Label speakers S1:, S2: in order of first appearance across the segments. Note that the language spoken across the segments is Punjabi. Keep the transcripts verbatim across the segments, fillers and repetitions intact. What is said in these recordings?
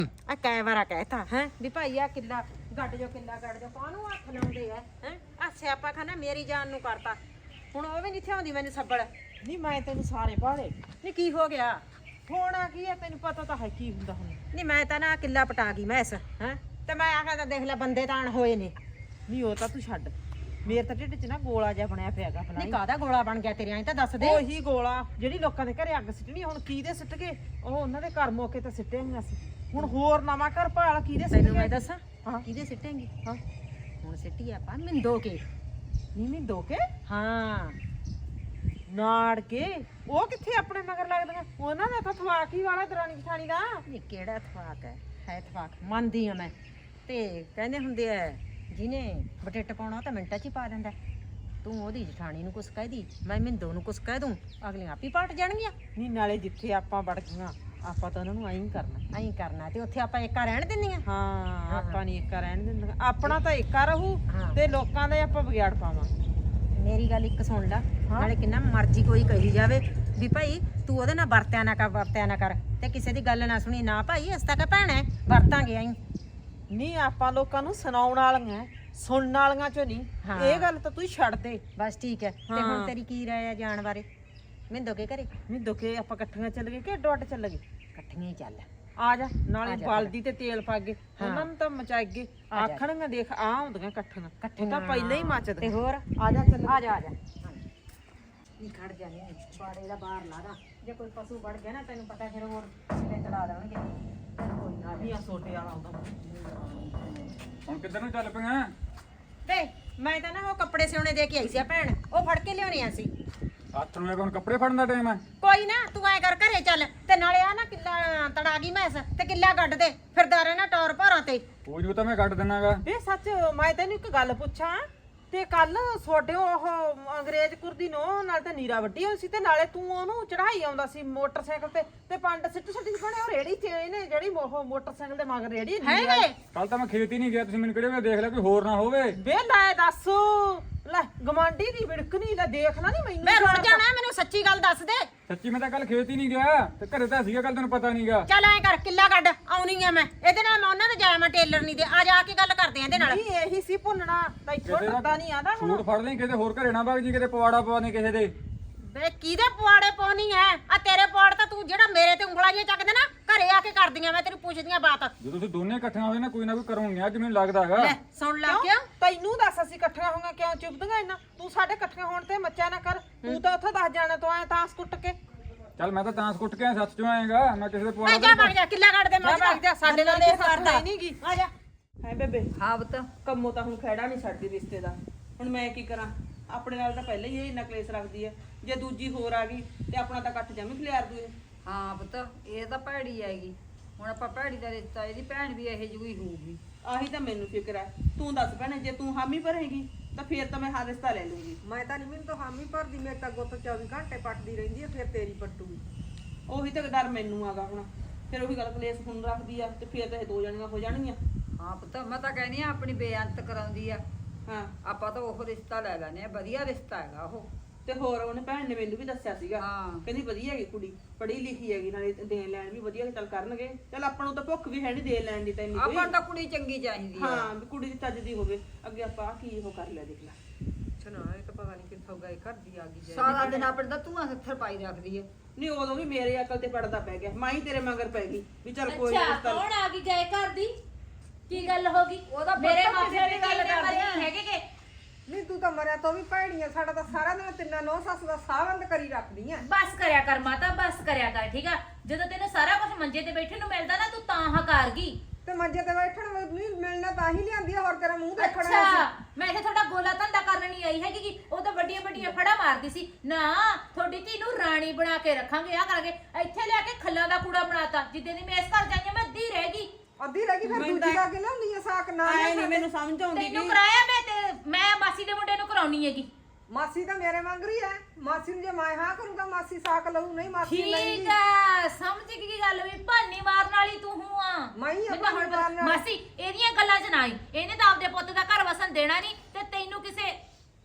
S1: ਆ ਕਈ ਵਾਰਾ ਕਹਿਤਾ ਹੈ ਵੀ ਭਾਈ ਆ ਕਿੱਲਾ ਗੱਡ ਜੋ ਕਿੱਲਾ ਗੱਡ ਜੋ ਕਾਹਨੂੰ ਹੱਥ ਲਾਉਂਦੇ ਆ ਹੈ ਆ ਸਿਆਪਾ ਖਾਨਾ ਮੇਰੀ ਜਾਨ ਨੂੰ ਕਰਤਾ ਹੁਣ ਉਹ ਵੀ ਨਹੀਂ ਥਿਆਉਂਦੀ ਮੈਨੂੰ ਸੱਬੜ
S2: ਨਹੀਂ ਮੈਂ ਤੈਨੂੰ ਸਾਰੇ ਬਾੜੇ
S1: ਨਹੀਂ ਕੀ ਹੋ ਗਿਆ
S2: ਹੋਣਾ ਕੀ ਹੈ ਤੈਨੂੰ ਪਤਾ ਤਾਂ ਹੈ ਕੀ ਹੁੰਦਾ ਹੁਣ
S1: ਨਹੀਂ ਮੈਂ ਤਾਂ ਨਾ ਕਿੱਲਾ ਪਟਾ ਗਈ ਮੈਸ ਹੈ ਤੇ ਮੈਂ ਆਖਿਆ ਤਾਂ ਦੇਖ ਲੈ ਬੰਦੇ ਤਾਂ ਅਣ ਹੋਏ ਨੇ
S2: ਨਹੀਂ ਉਹ ਤਾਂ ਤੂੰ ਛੱਡ ਮੇਰੇ ਤਾਂ ਢਿੱਡ 'ਚ ਨਾ ਗੋਲਾ ਜਿਹਾ ਬਣਿਆ ਪਿਆਗਾ
S1: ਨਹੀਂ
S2: ਫਲਾਈ
S1: ਕਾਹਦਾ ਗੋਲਾ ਬਣ ਗਿਆ ਤੇਰੇ ਐਂ ਤਾਂ ਦੱਸ ਦੇ
S2: ਉਹੀ ਗੋਲਾ ਜਿਹੜੀ ਲੋਕਾਂ ਦੇ ਘਰੇ ਅੱਗ ਸਿੱਟਣੀ ਹੁਣ ਕਿਹਦੇ ਸਿੱਟ ਗਏ ਉਹ ਉਹਨਾਂ ਦੇ ਘਰ ਮੌਕੇ ਤੇ ਸਿੱਟੇ ਹੋਈਆਂ ਸੀ ਹੁਣ ਹੋਰ ਨਵਾਂ ਘਰ ਭਾਲ ਕਿਹਦੇ ਸਿੱਟ
S1: ਤੈਨੂੰ ਮੈਂ
S2: ਗਏ
S1: ਦੱਸਾਂ
S2: ਹਾਂ
S1: ਕਿਹਦੇ ਸਿੱਟੇਂਗੀ
S2: ਹਾਂ
S1: ਹੁਣ ਸਿੱਟੀ ਆਪਾਂ ਮਿੰਦੋ ਕੇ
S2: ਨਹੀਂ ਨਹੀਂ ਦੋਕੇ
S1: ਹਾਂ
S2: ਨਾੜ ਕੇ ਉਹ ਕਿੱਥੇ ਆਪਣੇ ਮਗਰ ਲੱਗਦੀਆਂ ਉਹਨਾਂ ਦਾ ਤਾਂ ਥਵਾਕੀ ਵਾਲਾ ਦਰਾਣੀ ਜਠਾਣੀ ਦਾ
S1: ਨਹੀਂ ਕਿਹੜਾ ਥਵਾਕ ਹੈ ਹੈ ਥਵਾਕ ਮੰਨਦੀ ਆ ਮੈਂ ਤੇ ਕਹਿੰਦੇ ਹੁੰਦੇ ਆ ਜਿਹਨੇ ਬਟੇਟ ਪਾਉਣਾ ਉਹ ਤਾਂ ਮਿੰਟਾਂ 'ਚ ਹੀ ਪਾ ਦਿੰਦਾ ਤੂੰ ਉਹਦੀ ਜਠਾਣੀ ਨੂੰ ਕੁਛ ਕਹਿ ਦੀ ਮੈਂ ਮਿੰਦੋ ਨੂੰ ਕੁਛ ਕਹਿ ਦੂੰ ਅਗਲੀਆਂ ਆਪੀ ਪਾਟ ਜਾਣਗੀਆਂ
S2: ਨਹੀਂ ਨਾਲੇ ਜਿੱਥੇ ਆਪਾਂ ਵੜ ਗਈਆਂ ਆਪਾਂ ਤਾਂ ਉਹਨਾਂ ਨੂੰ ਐਂ ਹੀ ਕਰਨਾ
S1: ਐਂ ਕਰਨਾ ਤੇ ਉੱਥੇ ਆਪਾਂ ਏਕਾ ਰਹਿਣ ਦਿੰਦੀਆਂ
S2: ਹਾਂ ਆਪਾਂ ਨਹੀਂ ਏਕਾ ਰਹਿਣ ਦਿੰਦੇ ਆਪਣਾ ਤਾਂ ਏਕਾ ਰਹੂ
S1: ਹਾਂ।
S2: ਤੇ ਲੋਕਾਂ ਦਾ ਆਪਾਂ ਵਿਗਾੜ ਪਾਵਾਂਗੇ
S1: ਮੇਰੀ ਗੱਲ ਇੱਕ ਸੁਣ ਲੈ ਨਾਲੇ ਕਿੰਨਾ ਮਰਜ਼ੀ ਕੋਈ ਕਹੀ ਜਾਵੇ ਵੀ ਭਾਈ ਤੂੰ ਉਹਦੇ ਨਾਲ ਵਰਤਿਆ ਨਾ ਕਰ ਵਰਤਿਆ ਨਾ ਕਰ ਤੇ ਕਿਸੇ ਦੀ ਗੱਲ ਨਾ ਸੁਣੀ ਨਾ ਭਾਈ ਅਸ ਤਾਂ ਕਹ ਭੈਣਾ ਵਰਤਾਂਗੇ ਐਂ
S2: ਨਹੀਂ ਆਪਾਂ ਲੋਕਾਂ ਨੂੰ ਸੁਣਾਉਣ ਵਾਲੀਆਂ ਸੁਣਨ ਵਾਲੀਆਂ ਚੋਂ ਨਹੀਂ
S1: ਹਾਂ।
S2: ਇਹ ਗੱਲ ਤਾਂ ਤੂੰ ਛੱਡ ਦੇ
S1: ਬਸ ਠੀਕ ਹੈ ਤੇ ਹੁਣ ਤੇਰੀ ਕੀ ਰਾਏ ਆ ਜਾਣ ਬਾਰੇ ਮਿੰਦੋ ਕੇ ਘਰੇ
S2: ਨਹੀਂ ਦੁਕੇ ਆਪਾਂ ਇਕੱਠੀਆਂ ਚੱਲ ਗਏ ਕਿ ਅੱਡੋ ਅੱਡ ਚੱਲ ਗਏ
S1: ਇਕੱਠੀਆਂ ਹੀ ਚੱਲ
S2: ਆ ਜਾ ਨਾਲੇ
S1: ਆ ਜਾ
S2: ਬਲਦੀ ਤੇ ਤੇਲ ਪਾ ਕੇ
S1: ਹਾਂ।
S2: ਉਹਨਾਂ ਨੂੰ ਤਾਂ ਮਚਾਏਗੇ
S1: ਆ ਜਾ।
S2: ਆਖਣਗੇ ਦੇਖ ਆ ਹੁੰਦੀਆਂ ਇਕੱਠੀਆਂ
S1: ਇਕੱਠੀਆਂ
S2: ਤਾਂ ਪਹਿਲਾਂ ਹੀ
S1: ਤੇ
S2: ਮੱਚਦੇ
S1: ਹੋਰ
S2: ਆ ਜਾ ਚੱਲ
S1: ਆ ਜਾ ਆ ਜਾ ਨਹੀਂ ਖੜ ਜਾ ਨਹੀਂ ਬਾੜੇ ਦਾ ਬਾਹਰ ਲਾ ਦਾ ਜੇ ਕੋਈ ਪਸ਼ੂ ਵੜ ਗਿਆ ਨਾ ਤੈਨੂੰ ਪਤਾ ਫਿਰ ਹੋਰ ਤੇ ਤੜਾ ਦੇਣਗੇ ਕੋਈ ਨਾ
S2: ਨਹੀਂ ਆ ਸੋਟੇ ਵਾਲਾ ਆਉਂਦਾ
S3: ਹੁਣ ਕਿੱਧਰ ਨੂੰ ਚੱਲ ਪਈਆਂ
S1: ਤੇ ਮੈਂ ਤਾਂ ਨਾ ਉਹ ਕੱਪੜੇ ਸਿਉਣੇ ਦੇ ਕੇ ਆਈ ਸੀ ਆ ਭੈਣ ਉਹ ਫੜ ਕੇ ਲਿਆਉਣੇ ਆ ਸੀ
S3: ਹੱਥ ਨੂੰ ਹੁਣ ਕੱਪੜੇ ਫੜਨ ਦਾ ਟਾਈਮ ਹੈ
S1: ਕੋਈ ਨਾ ਤੂੰ ਐ ਕਰ ਘਰੇ ਚੱਲ ਤੇ ਨਾਲੇ ਆ ਨਾ ਕਿੱਲਾ ਤੜਾ ਗਈ ਮੈਸ ਤੇ ਕਿੱਲਾ ਗੱਡ ਦੇ ਫਿਰਦਾ ਰਹਿਣਾ ਟੌਰ ਭਾਰਾਂ ਤੇ
S3: ਉਹ ਜੂ ਤਾਂ ਮੈਂ ਕੱਢ ਦਿਨਾਗਾ
S2: ਵੇ ਸੱਚ ਮੈਂ ਤੈਨੂੰ ਇੱਕ ਗੱਲ ਪੁੱਛਾਂ ਤੇ ਕੱਲ ਛੋਟੇ ਉਹ ਅੰਗਰੇਜ਼ ਕੁਰਦੀ ਨੋ ਨਾਲ ਤੇ ਨੀਰਾ ਵੱਡੀ ਹੋਈ ਸੀ ਤੇ ਨਾਲੇ ਤੂੰ ਉਹਨੂੰ ਚੜਾਈ ਆਉਂਦਾ ਸੀ ਮੋਟਰਸਾਈਕਲ ਤੇ ਤੇ ਪੰਡ ਸਿੱਟ ਸਿੱਟੀ ਬਣੇ ਉਹ ਰੇੜੀ ਚ ਇਹਨੇ ਜਿਹੜੀ ਉਹ ਮੋਟਰਸਾਈਕਲ ਦੇ ਮਗਰ ਰੇੜੀ
S1: ਹੈ
S3: ਕੱਲ ਤਾਂ ਮੈਂ ਖੇਤ ਹੀ ਨਹੀਂ ਗਿਆ ਤੁਸੀਂ ਮੈਨੂੰ ਕਿਹੜੇ ਵੇਲੇ ਦੇਖ ਲਿਆ ਕੋਈ ਹੋਰ ਨਾ ਹੋਵੇ
S2: ਵੇ ਲੈ ਦੱਸ ਲੈ ਗਮਾਂਡੀ ਦੀ ਵਿੜਕਣੀ ਲੈ ਦੇਖਣਾ ਨਹੀਂ ਮੈਨੂੰ
S1: ਮੈਂ ਰੁੜ ਜਾਣਾ ਮੈਨੂੰ ਸੱਚੀ ਗੱਲ ਦੱਸ ਦੇ
S3: ਸੱਚੀ ਮੈਂ ਤਾਂ ਕੱਲ ਖੇਤ ਹੀ ਨਹੀਂ ਗਿਆ ਤੇ ਘਰੇ ਤਾਂ ਸੀਗਾ ਕੱਲ ਤੈਨੂੰ ਪਤਾ ਨਹੀਂਗਾ
S1: ਚੱਲ ਐ ਕਰ ਕਿੱਲਾ ਗੱਡ ਆਉਣੀ ਆ ਮੈਂ ਇਹਦੇ ਨਾਲ ਮੈਂ ਉਹਨਾਂ ਦੇ ਜਾਇਆ ਮੈਂ ਟੇਲਰ ਨਹੀਂ ਦੇ ਆ ਜਾ ਕੇ ਗੱਲ ਕਰਦੇ ਆ ਇਹਦੇ ਨਾਲ
S2: ਨਹੀਂ ਇਹੀ ਸੀ ਭੁੰਨਣਾ ਤਾਂ ਇੱਥੋਂ ਡਰਦਾ ਨਹੀਂ ਆਂਦਾ ਹੁਣ
S3: ਸੂਟ ਫੜ ਲਈ ਕਿਤੇ ਹੋਰ ਘਰੇ ਨਾ ਵਗ ਜੀ ਕਿਤੇ ਪਵਾੜਾ ਪਵਾ ਦੇ ਕਿਸੇ ਦੇ
S1: ਵੇ ਕਿਹਦੇ ਪੁਆੜੇ ਪਾਉਣੀ ਐ ਆ ਤੇਰੇ ਪੁਆੜ ਤਾਂ ਤੂੰ ਜਿਹੜਾ ਮੇਰੇ ਤੇ ਉਂਗਲਾਂ ਜਿਹੀਆਂ ਚੱਕਦੇ ਨਾ ਘਰੇ ਆ ਕੇ ਕਰਦੀਆਂ ਮੈਂ ਤੈਨੂੰ ਪੁੱਛਦੀਆਂ ਬਾਤ
S3: ਜਦੋਂ ਤੁਸੀਂ ਦੋਨੇ ਇਕੱਠੀਆਂ ਹੋਏ ਨਾ ਕੋਈ ਨਾ ਕੋਈ ਕਰੋਗੇ ਅੱਜ ਮੈਨੂੰ ਲੱਗਦਾ ਹੈਗਾ
S1: ਲੈ ਸੁਣ ਲਾ ਕਿਉਂ
S2: ਤੈਨੂੰ ਦੱਸ ਅਸੀਂ ਇਕੱਠੀਆਂ ਹੋਈਆਂ ਕਿਉਂ ਚੁੱਪਦੀਆਂ ਇੰਨਾ ਤੂੰ ਸਾਡੇ ਇਕੱਠੀਆਂ ਹੋਣ ਤੇ ਮੱਚਾ ਨਾ ਕਰ ਤੂੰ ਤਾਂ ਉੱਥੇ ਦੱਸ ਜਾਣਾ ਤੂੰ ਐ ਤਾਂ ਕੁੱਟ ਕੇ
S3: ਚੱਲ ਮੈਂ ਤਾਂ ਤਾਂ ਕੁੱਟ ਕੇ ਸੱਚ ਚੋਂ ਆਏਗਾ ਮੈਂ ਕਿਸੇ ਦੇ
S1: ਮੈਂ
S3: ਪਵਾੜਾ
S1: ਜਾ ਵਗ ਜਾ ਕਿੱਲਾ ਕੱਢ ਦੇ
S2: ਜਾ ਵਗ ਜਾ, ਸਾਡੇ ਨਾਲ ਇਹ ਕਰਦਾ ਹੀ ਨਹੀਂਗੀ
S1: ਆ ਜਾ
S2: ਹੈ ਬੇਬੇ
S4: ਹਾਂ ਪੁੱਤ
S2: ਕੰਮੋਂ ਤਾਂ ਹੁਣ ਖੈੜਾ ਨਹੀਂ ਛੱਡਦੀ ਰਿਸ਼ਤੇ ਦਾ ਹੁਣ ਮੈਂ ਕੀ ਕਰਾਂ ਆਪਣੇ ਨਾਲ ਤਾਂ ਪਹਿਲਾਂ ਹੀ ਇਹ ਇੰਨਾ ਕਲੇਸ਼ ਰੱਖਦੀ ਹੈ ਜੇ ਦੂਜੀ ਹੋਰ ਆ ਗਈ ਤੇ ਆਪਣਾ ਤਾਂ ਇਕੱਠ ਜਮੀ ਖਲਿਆਰ ਦੂ ਇਹ
S4: ਹਾਂ ਪੁੱਤ ਇਹ ਤਾਂ ਭੈੜੀ ਆਏਗੀ ਹੁਣ ਆਪਾਂ ਭੈੜੀ ਦਾ ਰਿਸ਼ਤਾ ਇਹਦੀ ਭੈਣ ਵੀ ਇਹੋ ਜਿਹੀ ਹੋਊਗੀ
S2: ਆਹੀ ਤਾਂ ਮੈਨੂੰ ਫਿਕਰ ਹੈ ਤੂੰ ਦੱਸ ਭੈਣੇ ਜੇ ਤੂੰ ਹਾਮੀ ਭਰੇਗੀ ਤਾਂ ਫੇਰ ਤਾਂ ਮੈਂ ਹਾਂ ਰਿਸ਼ਤਾ ਲੈ ਲੂੰਗੀ
S5: ਮੈਂ ਤਾਂ ਨਹੀਂ ਮੈਨੂੰ ਤਾਂ ਹਾਮੀ ਭਰਦੀ ਮੇਰੇ ਤਾਂ ਗੁੱਤ ਚੌਵੀ ਘੰਟੇ ਪੱਟਦੀ ਰਹਿੰਦੀ ਹੈ ਫਿਰ ਤੇਰੀ ਪੱਟੂਗੀ
S2: ਉਹੀ ਤਾਂ ਡਰ ਮੈਨੂੰ ਆਗਾ ਹੁਣ ਫਿਰ ਉਹੀ ਗੱਲ ਕਲੇਸ਼ ਹੁਣ ਰੱਖਦੀ ਆ ਤੇ ਫੇਰ ਤਾਂ ਇਹ ਦੋ ਜਣੀਆਂ ਹੋ ਜਾਣਗੀਆਂ
S4: ਹਾਂ ਪੁੱਤ ਮੈਂ ਤਾਂ ਕਹਿੰਦੀ ਆ ਆਪਣੀ ਬੇਅੰਤ ਕਰਾਉਂਦੀ ਆ
S2: ਹਾਂ
S4: ਆਪਾਂ ਤਾਂ ਉਹ ਰਿਸ਼ਤਾ ਲੈ ਲੈਨੇ ਆ ਵਧੀਆ ਰਿਸ਼ਤਾ ਹੈਗਾ ਉਹ
S2: ਤੇ ਹੋਰ ਉਹਨੇ ਭੈਣ ਨੇ ਮੈਨੂੰ ਵੀ ਦੱਸਿਆ ਸੀਗਾ
S4: ਹਾਂ।
S2: ਕਹਿੰਦੀ ਵਧੀਆ ਹੈਗੀ ਕੁੜੀ ਪੜ੍ਹੀ ਲਿਖੀ ਹੈਗੀ ਨਾਲੇ ਦੇਣ ਲੈਣ ਵੀ ਵਧੀਆ ਚੱਲ ਕਰਨਗੇ ਚੱਲ ਆਪਾਂ ਨੂੰ ਤਾਂ ਭੁੱਖ ਵੀ ਹੈ ਨਹੀਂ ਦੇ ਲੈਣ ਦੀ ਤਾਂ ਇੰਨੀ ਕੋਈ
S4: ਆਪਾਂ ਨੂੰ ਤਾਂ ਕੁੜੀ ਚੰਗੀ ਚਾਹੀਦੀ ਆ
S2: ਹਾਂ ਵੀ ਕੁੜੀ ਦੀ ਚੱਜ ਦੀ ਹੋਵੇ ਅੱਗੇ ਆਪਾਂ ਆਹ ਕੀ ਉਹ ਕਰ ਲਿਆ ਦੇਖ ਲੈ
S5: ਸੁਣਾ ਇਹ ਤਾਂ ਪਤਾ ਨਹੀਂ ਕਿੱਥੋਂ ਗਏ ਘਰ ਦੀ ਆ ਗਈ
S4: ਸਾਰਾ ਦਿਨ ਆਪਣੇ ਦਾ ਤੂੰ ਹੱਥਰ ਪਾਈ ਰੱਖਦੀ ਆ
S2: ਨਹੀਂ ਉਦੋਂ ਵੀ ਮੇਰੇ ਅਕਲ ਤੇ ਪੜਦਾ ਪੈ ਗਿਆ ਮਾਂ ਹੀ ਤੇਰੇ ਮਗਰ ਪੈ ਗਈ ਵੀ ਚੱਲ ਕੋਈ
S6: ਅੱਛਾ
S2: ਰਿਸ਼ਤਾ
S6: ਕੌਣ ਆ ਗਈ ਗਏ ਘਰ ਦੀ ਕੀ ਗੱਲ ਹੋ ਗਈ
S4: ਉਹਦਾ
S6: ਮੇਰੇ
S4: ਪੁੱਤ
S6: ਮਾਪੇ
S4: ਕਿਸੇ
S6: ਦੀ
S4: ਦੀ
S6: ਗੱਲ
S4: ਗੱਲ
S6: ਕਰਦੇ
S4: ਕਰਦੀ
S6: ਹੈਗੇ ਕਿ
S5: ਨਹੀਂ ਤੂੰ ਤਾਂ ਮਰਿਆ ਤੋਂ ਵੀ ਭੈੜੀ ਆ ਸਾਡਾ ਤਾਂ ਸਾਰਾ ਦਿਨ ਤਿੰਨਾਂ ਨੌ ਸੱਸ ਦਾ ਸਾਹ ਬੰਦ ਕਰੀ ਰੱਖਦੀ ਆ
S6: ਬਸ ਕਰਿਆ ਕਰ ਮਾਤਾ ਬਸ ਕਰਿਆ ਕਰ ਠੀਕ ਆ ਜਦੋਂ ਤੈਨੂੰ ਸਾਰਾ ਕੁਝ ਮੰਜੇ ਤੇ ਬੈਠੇ ਨੂੰ ਮਿਲਦਾ ਨਾ ਤੂੰ ਤਾਂ ਹਕਾਰ ਗਈ
S5: ਤੇ ਮੰਜੇ ਤੇ ਬੈਠਣ ਨਹੀਂ ਮਿਲਣਾ ਤਾਂ ਹੀ ਲਿਆਂਦੀ ਆ ਹੋਰ ਤੇਰਾ ਮੂੰਹ ਦੇਖਣਾ
S6: ਅੱਛਾ ਮੈਂ ਇੱਥੇ ਤੁਹਾਡਾ ਗੋਲਾ ਧੰਦਾ ਕਰਨ ਨਹੀਂ ਆਈ ਹੈਗੀ ਕਿ ਉਹ ਤਾਂ ਵੱਡੀਆਂ ਵੱਡੀਆਂ ਫੜਾ ਮਾਰਦੀ ਸੀ ਨਾ ਤੁਹਾਡੀ ਧੀ ਨੂੰ ਰਾਣੀ ਬਣਾ ਕੇ ਰੱਖਾਂਗੇ ਆ ਕਰਾਂਗੇ ਇੱਥੇ ਲਿਆ ਕੇ ਖੱਲਾਂ ਦਾ ਕੂੜਾ ਬਣਾਤਾ ਜਿੱਦੇ ਦੀ ਮੈਂ ਇਸ ਘਰ ਜਾਈਆਂ ਮੈਂ ਅੱਧੀ ਰਹਿ ਗਈ
S5: ਅੱਧੀ ਰਹਿ ਗਈ ਫਿਰ ਦੂਜੀ ਲਾ ਕੇ ਲਿਆਉਂਦੀ ਆ ਸਾਕ ਨਾ
S2: ਆਏ ਨਹੀਂ ਮੈਨੂੰ ਸਮਝ ਆਉਂਦੀ
S6: ਤੈਨੂੰ ਕਰਾਇਆ ਮੈਂ ਤੇ ਮੈਂ ਮਾਸੀ ਦੇ ਮੁੰਡੇ ਨੂੰ ਕਰਾਉਣੀ ਹੈਗੀ
S5: ਮਾਸੀ ਤਾਂ ਮੇਰੇ ਵਾਂਗ ਹੀ ਹੈ ਮਾਸੀ ਨੂੰ ਜੇ ਮੈਂ ਹਾਂ ਕਰੂੰਗਾ ਮਾਸੀ ਸਾਕ ਲਊ ਨਹੀਂ ਮਾਸੀ ਨਹੀਂ
S6: ਠੀਕ ਆ ਸਮਝ ਗਈ ਕੀ ਗੱਲ ਵੀ ਭਾਨੀ ਮਾਰਨ ਵਾਲੀ ਤੂੰ ਹੂੰ ਆ
S5: ਮੈਂ ਹੀ ਆ
S6: ਮੈਨੂੰ ਹੁਣ
S5: ਭਾਨੀ ਮਾਰਨ ਵਾਲੀ।
S6: ਮਾਸੀ ਇਹਦੀਆਂ ਗੱਲਾਂ 'ਚ ਨਾ ਆਈ ਇਹਨੇ ਤਾਂ ਆਪਦੇ ਪੁੱਤ ਦਾ ਘਰ ਵਸਣ ਦੇਣਾ ਨਹੀਂ ਤੇ ਤੈਨੂੰ ਕਿਸੇ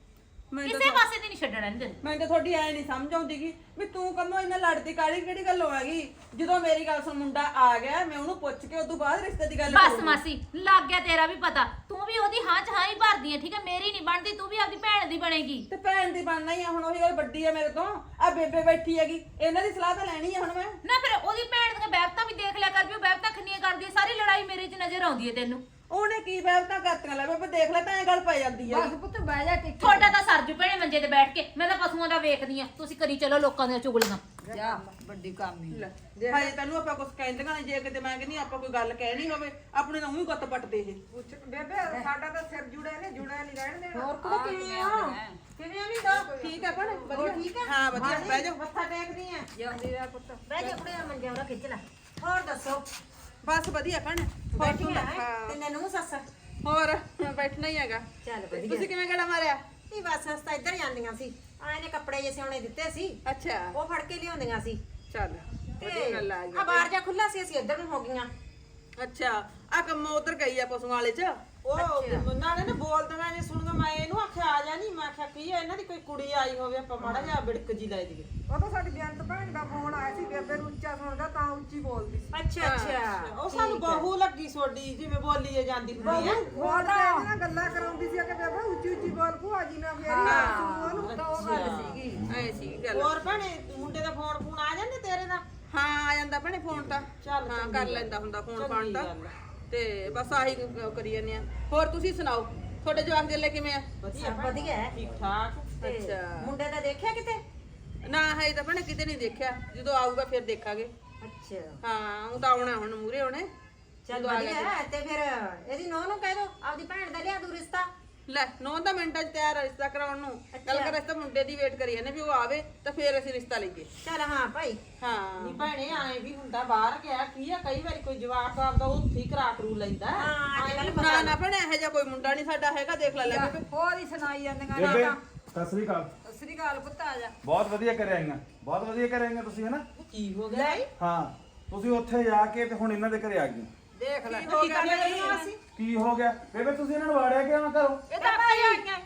S6: ਕਿਸੇ ਪਾਸੇ ਤੇ ਨਹੀਂ ਛੱਡਣਾ ਨਹੀਂ ਤੈਨੂੰ
S2: ਮੈਨੂੰ ਤਾਂ ਤੁਹਾਡੀ ਐ ਨਹੀਂ ਸਮਝ ਆਉਂਦੀ ਗੀ ਵੀ ਤੂੰ ਕੰਮੋਂ ਇੰਨਾ ਲੜਦੀ ਕਾਲੀ ਕਿਹੜੀ ਗੱਲ ਹੋਵੇਗੀ ਜਦੋਂ ਮੇਰੀ ਗੱਲ ਸੁਣ ਮੁੰਡਾ ਆ ਗਿਆ ਮੈਂ ਉਹਨੂੰ ਪੁੱਛ ਕੇ ਉਦੋਂ ਬਾਅਦ ਰਿਸ਼ਤੇ ਦੀ ਗੱਲ
S6: ਬਸ
S2: ਕਰੂੰਗੀ।
S6: ਮਾਸੀ ਲੱਗ ਗਿਆ ਤੇਰਾ ਵੀ ਪਤਾ ਤੂੰ ਵੀ ਉਹਦੀ ਹਾਂ ਚ ਹਾਂ ਹੀ ਭਰਦੀ ਹੈ ਠੀਕ ਹੈ ਮੇਰੀ ਨਹੀਂ ਬਣਦੀ ਤੂੰ ਵੀ ਆਪਦੀ ਭੈਣ ਦੀ ਬਣੇਗੀ
S2: ਤੇ ਭੈਣ ਦੀ ਬਣਨਾ ਹੀ ਆ ਹੁਣ ਉਹੀ ਗੱਲ ਵੱਡੀ ਆ ਮੇਰੇ ਤੋਂ ਆ ਬੇਬੇ ਬੈਠੀ ਹੈਗੀ ਇਹਨਾਂ ਦੀ ਸਲਾਹ ਤਾਂ ਲੈਣੀ ਆ ਹੁਣ ਮੈਂ
S6: ਨਾ ਫਿਰ ਉਹਦੀ ਭੈਣ ਦੀਆਂ ਬੈਬਤਾਂ ਵੀ ਦੇਖ ਲਿਆ ਕਰ ਵੀ ਉਹ ਬੈਬਤਾਂ ਕਿੰਨੀਆਂ ਕਰਦੀ ਹੈ ਸਾਰੀ ਲੜਾਈ ਮੇਰੇ 'ਚ ਨਜ਼ਰ ਆਉਂਦੀ ਹੈ ਤੈਨੂੰ
S2: ਉਹਨੇ ਕੀ ਬੈਵਤਾਂ ਕਰਤੀਆਂ ਲੈ ਬੇਬੇ ਦੇਖ ਲੈ ਤਾਂ ਇਹ ਗੱਲ ਪੈ ਜਾਂਦੀ ਆ
S5: ਬਸ ਪੁੱਤ ਬਹਿ ਜਾ ਟਿੱਕੀ
S6: ਤੁਹਾਡਾ ਤਾਂ ਸਰਜੂ ਭੈਣੇ ਮੰਜੇ ਤੇ ਬੈਠ ਕੇ ਮੈਂ ਤਾਂ ਪਸ਼ੂਆਂ ਦਾ ਵੇਖਦੀ ਆ ਤੁਸੀਂ ਕਰੀ ਚਲੋ ਲੋਕਾਂ ਦੀਆਂ ਚੁਗਲੀਆਂ
S4: ਜਾ ਵੱਡੀ ਕੰਮ ਹੀ
S2: ਲੈ ਹਾਏ ਤੈਨੂੰ ਆਪਾਂ ਕੁਝ ਕਹਿੰਦੀਆਂ ਨੇ ਜੇ ਕਿਤੇ ਮੈਂ ਕਹਿੰਦੀ ਆਪਾਂ ਕੋਈ ਗੱਲ ਕਹਿਣੀ ਹੋਵੇ ਆਪਣੇ ਨਾਲ ਉਹੀ ਗੁੱਤ ਪੱਟਦੇ ਇਹ
S5: ਪੁੱਛ ਬੇਬੇ ਸਾਡਾ ਤਾਂ ਸਿਰ ਜੁੜਿਆ ਨੇ ਜੁੜਿਆ ਨਹੀਂ ਰਹਿਣ ਦੇਣਾ
S2: ਹੋਰ ਕੁੜੇ ਕਿਵੇਂ ਆ ਕਿਵੇਂ ਆ ਵੀ ਦੋ ਠੀਕ ਆ ਭੈਣੇ ਵਧੀਆ ਠੀਕ ਆ ਹਾਂ ਵਧੀਆ ਬਹਿ ਜਾ
S1: ਮੱਥਾ ਟੇਕਦੀ ਆ
S4: ਜਾਂਦੀ ਰਹਿ ਪੁੱਤ
S1: ਬਹਿ ਜਾ ਕੁੜੇ ਮੰਜੇ ਉਹਦਾ ਖਿੱਚ ਲੈ ਹੋਰ ਦੱਸੋ
S2: ਬਸ ਵਧੀਆ ਭੈਣੇ
S1: ਬੈਠੀ ਆ
S2: ਹਾਂ।
S1: ਤਿੰਨੇ ਨੂੰ ਸੱਸ
S2: ਹੋਰ ਬੈਠਣਾ ਹੀ ਹੈਗਾ
S1: ਚੱਲ ਵਧੀਆ
S2: ਤੁਸੀਂ ਕਿਵੇਂ ਗੜਾ ਮਾਰਿਆ
S1: ਨਹੀਂ ਬਸ ਅਸ ਤਾਂ ਇੱਧਰ ਜਾਂਦੀਆਂ ਸੀ ਆਏ ਨੇ ਕੱਪੜੇ ਜੇ ਸਿਉਣੇ ਦਿੱਤੇ ਸੀ
S2: ਅੱਛਾ
S1: ਉਹ ਫੜ ਕੇ ਲਿਆਉਂਦੀਆਂ ਸੀ
S2: ਚੱਲ ਵਧੀਆ ਗੱਲ ਆ
S1: ਆ ਬਾਹਰ ਜਾ ਖੁੱਲਾ ਸੀ ਅਸੀਂ ਇੱਧਰ ਨੂੰ ਹੋ ਗਈਆਂ
S2: ਅੱਛਾ ਆ ਕੰਮ ਉਧਰ ਗਈ ਆ ਪਸ਼ੂਆਂ ਵਾਲੇ ਚ ਉਹ ਨਾਲੇ ਨਾ ਬੋਲਦੀਆਂ ਜੇ ਸੁਣਗਾ ਮੈਂ ਇਹਨੂੰ ਆਖਿਆ ਆ ਜਾ ਨਹੀਂ ਮੈਂ ਆਖਿਆ ਕੀ ਆ ਇਹਨਾਂ ਦੀ ਕੋਈ ਕੁੜੀ ਆਈ ਹੋਵੇ ਆਪਾਂ ਮਾੜਾ ਜਿਹਾ ਬਿੜਕ ਜੀ ਲੈ ਜੀਏ
S5: ਉਹ ਤਾਂ ਸਾਡੀ ਬੇਅੰਤ ਭੈਣ ਦਾ ਫੋਨ ਆਇਆ ਸੀ ਬੇਬੇ ਨੂੰ ਉੱਚਾ ਸੁਣਦਾ ਤਾਂ ਉੱਚੀ ਬੋਲਦੀ ਸੀ
S1: ਅੱਛਾ ਅੱਛਾ
S2: ਉਹ ਸਾਨੂੰ ਬਹੂ ਲੱਗੀ ਸੋਡੀ ਜਿਵੇਂ ਬੋਲੀ ਜਾਂਦੀ ਹੁੰਦੀ ਆ
S5: ਉਹ ਤਾਂ ਇਹਦੇ ਨਾਲ ਗੱਲਾਂ ਕਰਾਉਂਦੀ ਸੀ ਕਿ ਬੇਬੇ ਉੱਚੀ ਉੱਚੀ ਬੋਲ ਭੂਆ ਜੀ ਨਾਲ ਫੇਰੀ ਆ ਉਹਨੂੰ ਤਾਂ ਉਹ ਗੱਲ ਸੀਗੀ
S2: ਐ ਸੀ ਗੱਲ ਹੋਰ ਭੈਣੇ ਮੁੰਡੇ ਦਾ ਫੋਨ ਫੋਨ ਆ ਜਾਂਦੇ ਤੇਰੇ ਦਾ ਹਾਂ ਆ ਜਾਂਦਾ ਭੈਣੇ ਫੋਨ ਤਾਂ ਚੱਲ ਹਾਂ ਕਰ ਲੈਂਦਾ ਹੁੰਦਾ ਫੋਨ ਫਾਨ ਤਾਂ ਤੇ ਬਸ ਆਹੀ ਕ- ਕਰੀ ਜਾਂਦੇ ਆ ਹੋਰ ਤੁਸੀਂ ਸੁਣਾਓ ਤੁਹਾਡੇ ਜਵਾਕ ਜੱਲੇ ਕਿਵੇਂ ਆ
S1: ਵਧੀਆ ਵਧੀਆ ਹੈ
S2: ਠੀਕ ਠਾਕ
S1: ਤੇ
S2: ਅੱਛਾ
S1: ਮੁੰਡੇ ਦਾ ਦੇਖਿਆ ਕਿਤੇ
S2: ਨਾ ਹੈ ਤਾਂ ਭੈਣੇ ਕਿਤੇ ਨਹੀਂ ਦੇਖਿਆ ਜਦੋਂ ਆਊਗਾ ਫਿਰ ਦੇਖਾਂਗੇ
S1: ਅੱਛਾ
S2: ਹਾਂ ਉਹ ਤਾਂ ਆਉਣਾ ਹੁਣ ਮੂਰੇ ਆਉਣੇ
S1: ਚੱਲ
S2: ਜਦੋਂ ਆ
S1: ਵਧੀਆ
S2: ਗਿਆ
S1: ਹੈ ਤੇ ਫਿਰ ਇਹਦੀ ਨੋਹ ਨੂੰ ਕਹਿ ਦੋ ਆਪਦੀ ਭੈਣ ਦਾ ਲਿਆ ਦੂ ਰਿਸ਼ਤਾ
S2: ਲੈ ਨੌ ਤਾਂ ਮਿੰਟਾਂ 'ਚ ਤਿਆਰ ਆ ਰਿਸ਼ਤਾ ਕਰਾਉਣ ਨੂੰ ਗੱਲ ਕਰ ਰਿਸ਼ਤਾ ਮੁੰਡੇ ਦੀ ਵੇਟ ਕਰੀ ਜਾਂਦੇ ਵੀ ਉਹ ਆਵੇ ਤਾਂ ਫਿਰ ਅਸੀਂ ਰਿਸ਼ਤਾ ਲਈਏ
S1: ਚੱਲ ਹਾਂ ਭਾਈ
S2: ਹਾਂ ਨਹੀਂ ਭੈਣੇ ਆਏ ਵੀ ਹੁੰਦਾ ਬਾਹਰ ਗਿਆ ਕੀ ਆ ਕਈ ਵਾਰੀ ਕੋਈ ਜਵਾਕ ਆਪਦਾ ਉਹ ਠੀਕ ਕਰਾ ਕਰੂ ਲੈਂਦਾ
S1: ਹਾਂ ਅੱਜ ਕੱਲ
S2: ਨਾ ਨਾ ਭੈਣੇ ਇਹੋ ਜਿਹਾ ਕੋਈ ਮੁੰਡਾ ਨਹੀਂ ਸਾਡਾ ਹੈਗਾ ਦੇਖ ਲੈ ਲੈ ਬੇਬੇ।
S5: ਹੋਰ ਹੀ ਸੁਣਾਈ ਜਾਂਦੀਆਂ
S7: ਬੇਬੇ ਸਤਿ ਸ੍ਰੀ ਅਕਾਲ
S5: ਸ੍ਰੀ ਅਕਾਲ ਪੁੱਤ ਆ ਜਾ
S7: ਬਹੁਤ ਵਧੀਆ ਕਰਿਆ ਆਈਆਂ ਬਹੁਤ ਵਧੀਆ ਕਰਿਆ ਆਈਆਂ ਤੁਸੀਂ ਹਨਾ
S2: ਕੀ ਹੋ ਗਿਆ
S7: ਹਾਂ ਤੁਸੀਂ ਉੱਥੇ ਜਾ ਕੇ ਤੇ ਹੁਣ ਇਹਨਾਂ ਦੇ ਘਰੇ ਆ ਗਏ
S2: ਦੇਖ ਲੈ ਕੀ ਕਰ ਲਿਆ ਸੀ
S7: ਕੀ ਹੋ ਗਿਆ ਬੇਬੇ ਤੁਸੀਂ ਇਹਨਾਂ ਨੂੰ ਵਾੜਿਆ ਕਿਉਂ ਨਾ ਕਰੋ
S1: ਇਹ ਤਾਂ ਭਾਈ ਆਈਆਂ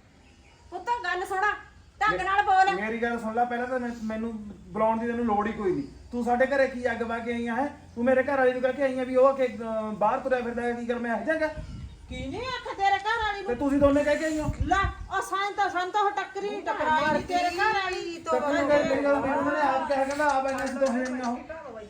S1: ਪੁੱਤ ਗੱਲ ਸੁਣਾ ਢੰਗ ਨਾਲ ਬੋਲ
S7: ਮੇਰੀ ਗੱਲ ਸੁਣ ਲੈ ਪਹਿਲਾਂ ਤਾਂ ਮੈਂ- ਮੈਨੂੰ ਬੁਲਾਉਣ ਦੀ ਤੈਨੂੰ ਲੋੜ ਹੀ ਕੋਈ ਨਹੀਂ ਤੂੰ ਸਾਡੇ ਘਰੇ ਕੀ ਅੱਗ ਵਾ ਕੇ ਆਈਆਂ ਹੈ ਤੂੰ ਮੇਰੇ ਘਰ ਵਾਲੀ ਨੂੰ ਕਹਿ ਕੇ ਆਈਆਂ ਵੀ ਉਹ ਕਿ ਅਹ, ਬਾਹਰ ਤੁਰਿਆ ਫਿਰਦਾ ਹੈ, ਕੀ ਕਰ ਮੈਂ ਇਹ ਜਾਗਾ
S2: ਕੀ ਨਹੀਂ ਆਖਿਆ ਤੇਰੇ ਘਰ ਵਾਲੀ
S7: ਤੇ
S2: ਨੂੰ
S7: ਤੁਸੀਂ ਦੋਨੇ ਕਹਿ ਕੇ ਆਈਆਂ
S2: ਲੈ ਉਹ ਸਾਂ ਤਾਂ ਸਾਂ ਤਾਂ ਉਹ ਟੱਕਰੀ ਨਹੀਂ ਟਕਰਾਈ ਨੀ ਤੇਰੇ ਘਰ ਵਾਲੀ
S7: ਤੇ ਮੈਨੂੰ ਕਹਿ ਮੇਰੀ ਗੱਲ ਮੈਨੂੰ ਉਹਨਾਂ ਨੇ ਆਪ ਕਹਿ ਕਹਿੰਦਾ ਆਪ ਇਹਨਾਂ ਸੀ ਦੋਹੇ ਆਈਆਂ ਉਹ